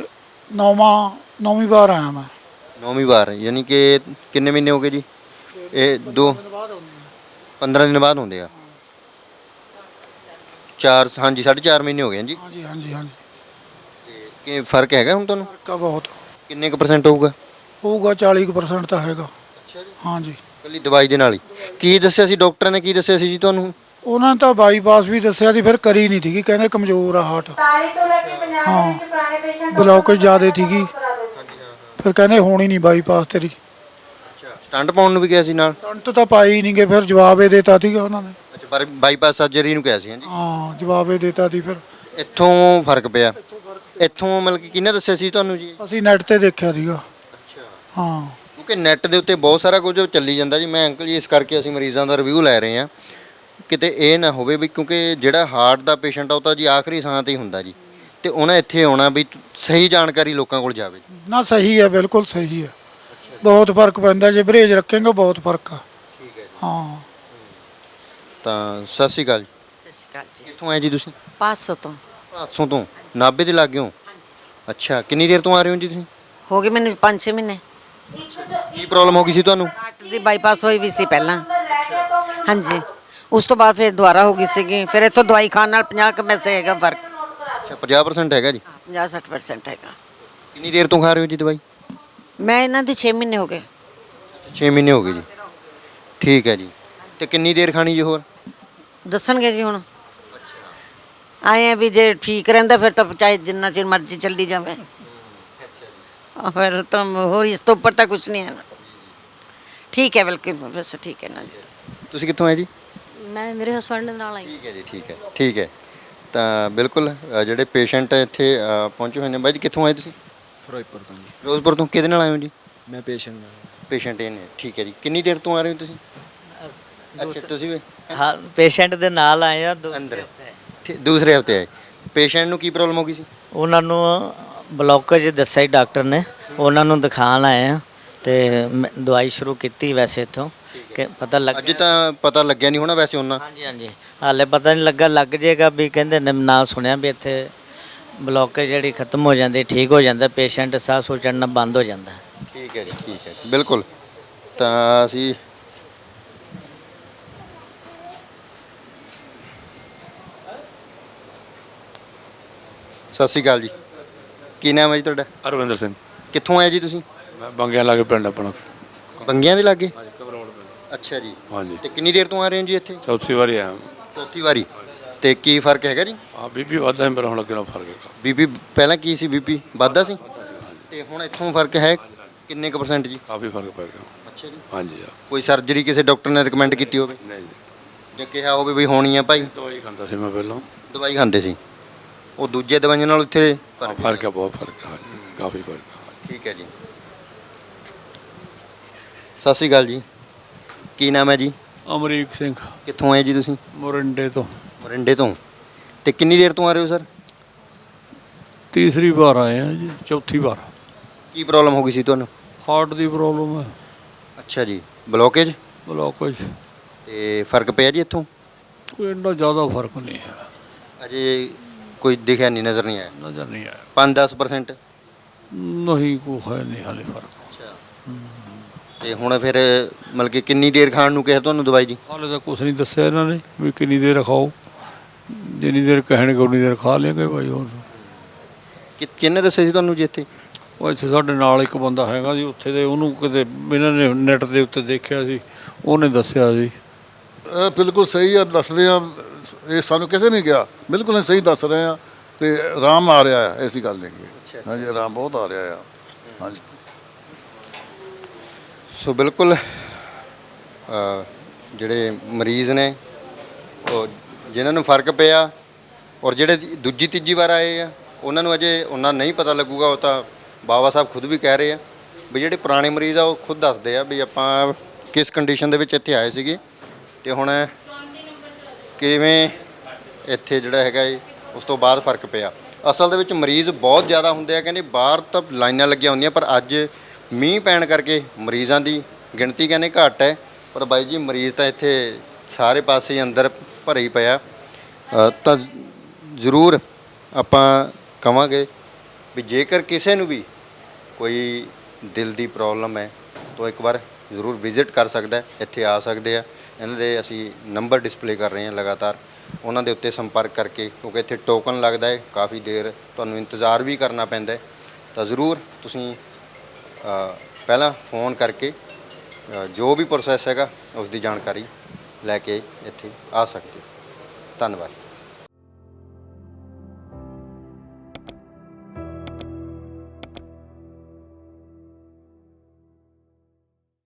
9ਵੀਂ ਵਾਰ ਆਇਆ ਮੈਂ। 9ਵੀਂ ਵਾਰ। ਯਾਨੀ ਕਿ ਕਿੰਨੇ ਮਹੀਨੇ ਹੋ ਗਏ ਜੀ? ਇਹ 15 ਦਿਨ ਬਾਅਦ ਹੁੰਦੇ ਆ। 4, ਹਾਂਜੀ 4.5 ਮਹੀਨੇ ਹੋ ਗਏ ਜੀ। ਹਾਂਜੀ ਹਾਂਜੀ ਹਾਂਜੀ। ਤੇ ਕੀ ਫਰਕ ਹੈਗਾ ਹੁਣ ਤੁਹਾਨੂੰ? ਫਰਕ ਆ ਬਹੁਤ। ਕਿੰਨੇ ਕੁ % ਹੋਊਗਾ? ਹੋਊਗਾ 40% ਤਾਂ ਹੈਗਾ। ਅੱਛਾ ਜੀ। ਹਾਂਜੀ। ਇਕੱਲੀ ਦਵਾਈ ਦੇ ਨਾਲ ਹੀ? ਕੀ ਦੱਸਿਆ ਸੀ ਡਾਕਟਰ ਨੇ, ਕੀ ਦੱਸਿਆ ਸੀ ਜੀ ਤੁਹਾਨੂੰ? ਉਹਨਾਂ ਨੇ ਤਾਂ ਬਾਈਪਾਸ ਵੀ ਦੱਸਿਆ ਸੀ, ਫਿਰ ਕਰੀ ਨਹੀਂ ਸੀਗੀ, ਕਹਿੰਦੇ ਕਮਜ਼ੋਰ ਆ ਹਾਰਟ। ਹਾਂ, ਬਲੌਕੇਜ ਜ਼ਿਆਦਾ ਸੀਗੀ, ਫਿਰ ਕਹਿੰਦੇ ਹੋਣੀ ਨਹੀਂ ਬਾਈਪਾਸ ਤੇਰੀ। ਅੱਛਾ। ਸਟੰਟ ਪਾਉਣ ਨੂੰ ਵੀ ਕਿਹਾ ਸੀ ਨਾਲ? ਸਟੰਟ ਤਾਂ ਪਾਈ ਹੀ ਨਹੀਂ ਗਏ, ਫਿਰ ਜਵਾਬ ਇਹ ਦੇਤਾ ਸੀਗਾ ਉਹਨਾਂ ਨੇ। ਅੱਛਾ, ਪਰ ਬਾਈਪਾਸ ਸਰਜਰੀ ਨੂੰ ਕਿਹਾ ਸੀ? ਹਾਂਜੀ ਹਾਂ, ਜਵਾਬ ਇਹ ਦੇਤਾ ਸੀ। ਫਿਰ ਇੱਥੋਂ ਫਰਕ ਪਿਆ? ਇੱਥੋਂ ਮਤਲਬ ਕਿ ਕਿਹਨੇ ਦੱਸਿਆ ਸੀ ਤੁਹਾਨੂੰ ਜੀ? ਅਸੀਂ ਨੈਟ ਤੇ ਦੇਖਿਆ ਸੀਗਾ। ਅੱਛਾ। ਹਾਂ, ਕਿਉਂਕਿ ਨੈੱਟ ਦੇ ਉੱਤੇ ਬਹੁਤ ਸਾਰਾ ਕੁਝ ਚੱਲੀ ਜਾਂਦਾ ਜੀ। ਮੈਂ ਅੰਕਲ ਜੀ ਇਸ ਕਰਕੇ ਅਸੀਂ ਮਰੀਜ਼ਾਂ ਦਾ ਰਿਵਿਊ ਲੈ ਰਹੇ ਹਾਂ, ਕਿਤੇ ਇਹ ਨਾ ਹੋਵੇ ਵੀ, ਕਿਉਂਕਿ ਜਿਹੜਾ ਹਾਰਟ ਦਾ ਪੇਸ਼ੈਂਟ ਆ ਉਹ ਤਾਂ ਜੀ ਆਖਰੀ ਸਾਹ ਤੇ ਹੀ ਹੁੰਦਾ ਜੀ, ਤੇ ਉਹਨਾਂ ਇੱਥੇ ਆਉਣਾ ਵੀ ਸਹੀ ਜਾਣਕਾਰੀ ਲੋਕਾਂ ਕੋਲ ਜਾਵੇ। ਨਾ ਸਹੀ ਹੈ, ਬਿਲਕੁਲ ਸਹੀ ਹੈ। ਬਹੁਤ ਫਰਕ ਪੈਂਦਾ ਜੇ ਬਰੇਜ ਰੱਖੇਗਾ, ਬਹੁਤ ਫਰਕ ਆ। ਠੀਕ ਹੈ ਜੀ। ਹਾਂ। ਤਾਂ ਸਤਿ ਸ਼੍ਰੀ ਅਕਾਲ ਜੀ। ਸਤਿ ਸ਼੍ਰੀ ਅਕਾਲ ਜੀ। ਕਿੱਥੋਂ ਆਏ ਜੀ ਤੁਸੀਂ? 500 ਤੋਂ। 500 ਤੋਂ। ਨਾਭੇ ਦੇ ਲਾਗੇ ਹੋ? ਅੱਛਾ। ਕਿੰਨੀ ਦੇਰ ਤੋਂ ਆ ਰਹੇ ਹੋ ਜੀ ਤੁਸੀਂ? ਹੋ ਗਏ ਮੈਨੂੰ 5-6 ਮਹੀਨੇ। ਕੀ ਪ੍ਰੋਬਲਮ ਹੋ ਗਈ ਸੀ ਤੁਹਾਨੂੰ? ਹਾਰਟ ਦੀ ਬਾਈਪਾਸ ਹੋਈ ਵੀ ਸੀ ਪਹਿਲਾਂ। ਹਾਂਜੀ, ਉਸ ਤੋਂ ਬਾਅਦ ਫਿਰ ਦੁਬਾਰਾ ਹੋ ਗਈ ਸੀਗੀ। ਫਿਰ ਇੱਥੋਂ ਦਵਾਈ ਖਾਣ ਨਾਲ 50 ਕੁ ਪੈਸੇ ਹੈਗਾ ਫਰਕ। ਅੱਛਾ, 50% ਹੈਗਾ ਜੀ। 50-60% ਹੈਗਾ। ਕਿੰਨੀ ਦੇਰ ਤੋਂ ਖਾ ਰਹੇ ਹੋ ਜੀ ਦਵਾਈ? ਮੈਂ ਇਹਨਾਂ ਦੀ 6 ਮਹੀਨੇ ਹੋ ਗਏ। 6 ਮਹੀਨੇ ਹੋ ਗਏ ਜੀ। ਠੀਕ ਹੈ ਜੀ। ਤੇ ਕਿੰਨੀ ਦੇਰ ਖਾਣੀ ਜੀ ਹੋਰ? ਦੱਸਣਗੇ ਜੀ ਹੁਣ। ਆਏ ਆ ਵੀ ਜੇ ਠੀਕ ਰਹਿੰਦਾ ਫਿਰ ਤਾਂ ਚਾਹੇ ਜਿੰਨਾ ਚਿਰ ਮਰਜ਼ੀ ਚੱਲੀ ਜਾਵੇ। ਫਿਰ ਤਾਂ ਹੋਰ ਇਸ ਤੋਂ ਉੱਪਰ ਤਾਂ ਕੁਝ ਨਹੀਂ ਹੈ ਨਾ। ਠੀਕ ਹੈ, ਬਿਲਕੁਲ ਵੈਸੇ ਠੀਕ ਹੈ ਨਾ ਜੀ। ਤੁਸੀਂ ਕਿੱਥੋਂ ਆਏ ਜੀ? ਮੈਂ ਮੇਰੇ ਹਸਬੰਡ ਦੇ ਨਾਲ ਆਈ। ਠੀਕ ਹੈ ਜੀ। ਠੀਕ ਹੈ। ਠੀਕ ਹੈ। ਤਾਂ ਬਿਲਕੁਲ ਜਿਹੜੇ ਪੇਸ਼ੈਂਟ ਇੱਥੇ ਪਹੁੰਚੇ ਹੋਏ ਨੇ। ਬਾਈ ਜੀ ਕਿੱਥੋਂ ਆਏ ਤੁਸੀਂ? ਫਿਰੋਜ਼ਪੁਰ ਤੋਂ ਜੀ। ਫਿਰੋਜ਼ਪੁਰ ਤੋਂ। ਕਿਹਦੇ ਨਾਲ ਆਏ ਹੋ ਜੀ? ਮੈਂ ਪੇਸ਼ੈਂਟ ਨਾਲ। ਪੇਸ਼ੈਂਟ ਇਹ ਨੇ। ਠੀਕ ਹੈ ਜੀ। ਕਿੰਨੀ ਦੇਰ ਤੋਂ ਆ ਰਹੇ ਹੋ ਤੁਸੀਂ? ਅੱਛਾ, ਤੁਸੀਂ ਵੀ ਹਾਂ, ਪੇਸ਼ੈਂਟ ਦੇ ਨਾਲ ਆਏ ਆ। ਅੰਦਰ ਦੂਸਰੇ ਹਫਤੇ ਆਏ। ਪੇਸ਼ੈਂਟ ਨੂੰ ਕੀ ਪ੍ਰੋਬਲਮ ਹੋ ਗਈ ਸੀ? ਉਹਨਾਂ ਨੂੰ ਬਲੌਕੇਜ ਦੱਸਿਆ ਡਾਕਟਰ ਨੇ, ਉਹਨਾਂ ਨੂੰ ਦਿਖਾਣ ਆਏ ਆ ਤੇ ਦਵਾਈ ਸ਼ੁਰੂ ਕੀਤੀ ਵੈਸੇ ਇੱਥੋਂ ਕਿ ਪਤਾ ਲੱਗ। ਅੱਜ ਤਾਂ ਪਤਾ ਲੱਗਿਆ ਨਹੀਂ ਹੋਣਾ ਵੈਸੇ ਉਹਨਾਂ? ਹਾਂਜੀ ਹਾਂਜੀ, ਹਾਲੇ ਪਤਾ ਨਹੀਂ ਲੱਗਾ, ਲੱਗ ਜਾਏਗਾ ਵੀ ਕਹਿੰਦੇ ਨੇ। ਨਾ ਸੁਣਿਆ ਵੀ ਇੱਥੇ ਬਲੌਕੇਜ ਜਿਹੜੀ ਖਤਮ ਹੋ ਜਾਂਦੀ, ਠੀਕ ਹੋ ਜਾਂਦਾ ਪੇਸ਼ੈਂਟ, ਸਾਹ ਸੂਹ ਚੜ੍ਹਨਾ ਬੰਦ ਹੋ ਜਾਂਦਾ। ਠੀਕ ਹੈ ਜੀ। ਠੀਕ ਹੈ। ਬਿਲਕੁਲ। ਤਾਂ ਅਸੀਂ ਸਤਿ ਸ਼੍ਰੀ ਅਕਾਲ ਜੀ। ਕੀ ਨਾਮ ਹੈ ਜੀ ਤੁਹਾਡਾ? ਅਰਵਿੰਦਰ ਸਿੰਘ। ਕਿੱਥੋਂ ਆਏ ਜੀ ਤੁਸੀਂ? ਮੈਂ ਬੰਗਿਆਂ ਲਾਗੇ ਪਿੰਡ ਆਪਣਾ। ਬੰਗਿਆਂ ਦੇ ਲਾਗੇ? ਹਾਂਜੀ ਘਬਰਾਉਣ ਪਿੰਡ। ਅੱਛਾ ਜੀ। ਹਾਂਜੀ ਤੇ ਕਿੰਨੀ ਦੇਰ ਤੋਂ ਆ ਰਹੇ ਹੋ ਜੀ ਇੱਥੇ? ਚੌਥੀ ਵਾਰੀ ਆਇਆ। ਚੌਥੀ ਵਾਰੀ। ਤੇ ਕੀ ਫਰਕ ਹੈਗਾ ਜੀ? ਹਾਂ ਬੀਬੀ ਵੱਧਦਾ ਹੈ, ਮੇਰਾ ਹੁਣ ਅੱਗੇ ਨਾਲ ਫਰਕ ਹੈ। ਬੀਪੀ ਪਹਿਲਾਂ ਕੀ ਸੀ? ਬੀਪੀ ਵੱਧਦਾ ਸੀ ਤੇ ਹੁਣ ਇੱਥੋਂ ਫਰਕ ਹੈ ਕਿੰਨੇ ਕੁ %? ਜੀ ਕਾਫੀ ਫਰਕ ਪੈ ਗਿਆ। ਅੱਛਾ ਜੀ। ਹਾਂਜੀ ਕੋਈ ਸਰਜਰੀ ਕਿਸੇ ਡਾਕਟਰ ਨੇ ਰეკਮੈਂਡ ਕੀਤੀ ਹੋਵੇ ਨਹੀਂ ਜੀ, ਜਾਂ ਕਿਹਾ ਹੋਵੇ ਵੀ ਹੋਣੀ ਆ ਭਾਈ? ਦਵਾਈ ਖਾਂਦਾ ਸੀ ਮੈਂ ਪਹਿਲਾਂ। ਦਵਾਈ ਖਾਂਦੇ ਸੀ, ਉਹ ਦੂਜੇ ਦਵਾਈਆਂ ਨਾਲ ਇੱਥੇ ਫਰਕ ਹੈ, ਬਹੁਤ ਫਰਕ ਹੈ। ਹਾਂਜੀ ਕਾਫੀ ਫਰਕ ਹੈ। ਠੀਕ ਹੈ ਜੀ। ਸਤਿ ਸ਼੍ਰੀ ਅਕਾਲ ਜੀ। ਕੀ ਨਾਮ ਹੈ ਜੀ? ਅਮਰੀਕ ਸਿੰਘ ਕਿੱਥੋਂ ਆਏ ਜੀ ਤੁਸੀਂ? ਮੋਰਿੰਡੇ ਤੋਂ ਮਰਿੰਡੇ ਤੋਂ। ਤੇ ਕਿੰਨੀ ਦੇਰ ਤੋਂ ਆ ਰਹੇ ਹੋ ਸਰ? ਤੀਸਰੀ ਵਾਰ ਆਏ ਆ ਜੀ, ਚੌਥੀ ਵਾਰ। ਕੀ ਪ੍ਰੋਬਲਮ ਹੋ ਗਈ ਸੀ ਤੁਹਾਨੂੰ? ਹਾਰਟ ਦੀ ਪ੍ਰੋਬਲਮ ਹੈ, ਅੱਛਾ ਜੀ। ਬਲੋਕੇਜ? ਬਲੋਕੇਜ। ਤੇ ਫਰਕ ਪਿਆ ਜੀ ਇੱਥੋਂ? ਕੋਈ ਇੰਨਾ ਜ਼ਿਆਦਾ ਫਰਕ ਨਹੀਂ ਹੈ, ਅਜੇ ਕੋਈ ਦਿਖਿਆ ਨਹੀਂ, ਨਜ਼ਰ ਨਹੀਂ ਆਇਆ? ਨਜ਼ਰ ਨਹੀਂ ਆਇਆ। 5-10%? ਨਹੀਂ ਕੋਈ ਹੈ ਨਹੀਂ ਹਾਲੇ ਫਰਕ। ਅੱਛਾ। ਤੇ ਹੁਣ ਫਿਰ ਮਤਲਬ ਕਿ ਕਿੰਨੀ ਦੇਰ ਖਾਣ ਨੂੰ ਕਿਹਾ ਤੁਹਾਨੂੰ ਦਵਾਈ ਜੀ? ਹਾਲੇ ਤਾਂ ਕੁਛ ਨਹੀਂ ਦੱਸਿਆ ਇਹਨਾਂ ਨੇ ਵੀ ਕਿੰਨੀ ਦੇਰ ਖਾਓ, ਜਿੰਨੀ ਦੇਰ ਕਹਿਣਗੇ ਉਨੀ ਦੇਰ ਖਾ ਲੈਂਗੇ ਭਾਈ। ਹੋਰ ਕਿਹਨੇ ਦੱਸਿਆ ਸੀ ਤੁਹਾਨੂੰ ਜੀ ਇੱਥੇ? ਉਹ ਇੱਥੇ ਸਾਡੇ ਨਾਲ ਇੱਕ ਬੰਦਾ ਹੈਗਾ ਜੀ ਉੱਥੇ ਦੇ, ਉਹਨੂੰ ਕਿਤੇ ਇਹਨਾਂ ਨੇ ਨੈੱਟ ਦੇ ਉੱਤੇ ਦੇਖਿਆ ਸੀ, ਉਹਨੇ ਦੱਸਿਆ ਸੀ। ਬਿਲਕੁਲ ਸਹੀ ਆ, ਦੱਸਦੇ ਆ। ਇਹ ਸਾਨੂੰ ਕਿਸੇ ਨੇ ਕਿਹਾ, ਬਿਲਕੁਲ ਸਹੀ ਦੱਸ ਰਹੇ ਆ। ਤੇ ਆਰਾਮ ਆ ਰਿਹਾ ਹੈ, ਐਸੀ ਗੱਲ ਨਹੀਂ ਹੈ। ਹਾਂਜੀ ਆਰਾਮ ਬਹੁਤ ਆ ਰਿਹਾ ਆ। ਹਾਂਜੀ। ਸੋ ਬਿਲਕੁਲ ਜਿਹੜੇ ਮਰੀਜ਼ ਨੇ ਉਹ ਜਿਨ੍ਹਾਂ ਨੂੰ ਫਰਕ ਪਿਆ ਔਰ ਜਿਹੜੇ ਦੂਜੀ ਤੀਜੀ ਵਾਰ ਆਏ ਆ ਉਹਨਾਂ ਨੂੰ ਅਜੇ ਉਹਨਾਂ ਨਹੀਂ ਪਤਾ ਲੱਗੂਗਾ। ਉਹ ਤਾਂ ਬਾਬਾ ਸਾਹਿਬ ਖੁਦ ਵੀ ਕਹਿ ਰਹੇ ਆ ਵੀ ਜਿਹੜੇ ਪੁਰਾਣੇ ਮਰੀਜ਼ ਆ ਉਹ ਖੁਦ ਦੱਸਦੇ ਆ ਵੀ ਆਪਾਂ ਕਿਸ ਕੰਡੀਸ਼ਨ ਦੇ ਵਿੱਚ ਇੱਥੇ ਆਏ ਸੀਗੇ ਤੇ ਹੁਣ ਕਿਵੇਂ ਇੱਥੇ ਜਿਹੜਾ ਹੈਗਾ ਉਸ ਤੋਂ ਬਾਅਦ ਫਰਕ ਪਿਆ। ਅਸਲ ਦੇ ਵਿੱਚ ਮਰੀਜ਼ ਬਹੁਤ ਜ਼ਿਆਦਾ ਹੁੰਦੇ ਆ, ਕਹਿੰਦੇ ਬਾਹਰ ਤਾਂ ਲਾਈਨਾਂ ਲੱਗੀਆਂ ਹੁੰਦੀਆਂ, ਪਰ ਅੱਜ ਮੀਂਹ ਪੈਣ ਕਰਕੇ ਮਰੀਜ਼ਾਂ ਦੀ ਗਿਣਤੀ ਕਹਿੰਦੇ ਘੱਟ ਹੈ। ਪਰ ਬਾਈ ਜੀ ਮਰੀਜ਼ ਤਾਂ ਇੱਥੇ ਸਾਰੇ ਪਾਸੇ ਹੀ ਅੰਦਰ ਭਰੇ ਹੀ ਪਿਆ। ਤਾਂ ਜ਼ਰੂਰ ਆਪਾਂ ਕਵਾਂਗੇ ਵੀ ਜੇਕਰ ਕਿਸੇ ਨੂੰ ਵੀ ਕੋਈ ਦਿਲ ਦੀ ਪ੍ਰੋਬਲਮ ਹੈ ਤਾਂ ਇੱਕ ਵਾਰ ਜ਼ਰੂਰ ਵਿਜ਼ਿਟ ਕਰ ਸਕਦਾ ਹੈ, ਇੱਥੇ ਆ ਸਕਦੇ ਆ। ਇਹਨਾਂ ਦੇ ਅਸੀਂ ਨੰਬਰ ਡਿਸਪਲੇ ਕਰ ਰਹੇ ਹਾਂ ਲਗਾਤਾਰ, ਉਹਨਾਂ ਦੇ ਉੱਤੇ ਸੰਪਰਕ ਕਰਕੇ, ਕਿਉਂਕਿ ਇੱਥੇ ਟੋਕਨ ਲੱਗਦਾ ਹੈ, ਕਾਫੀ ਦੇਰ ਤੁਹਾਨੂੰ ਇੰਤਜ਼ਾਰ ਵੀ ਕਰਨਾ ਪੈਂਦਾ ਹੈ। ਤਾਂ ਜ਼ਰੂਰ ਤੁਸੀਂ ਪਹਿਲਾਂ ਫੋਨ ਕਰਕੇ ਜੋ ਵੀ ਪ੍ਰੋਸੈਸ ਹੈਗਾ ਉਸ ਦੀ ਜਾਣਕਾਰੀ ਲੈ ਕੇ ਇੱਥੇ ਆ ਸਕਦੇ ਹੋ। ਧੰਨਵਾਦ।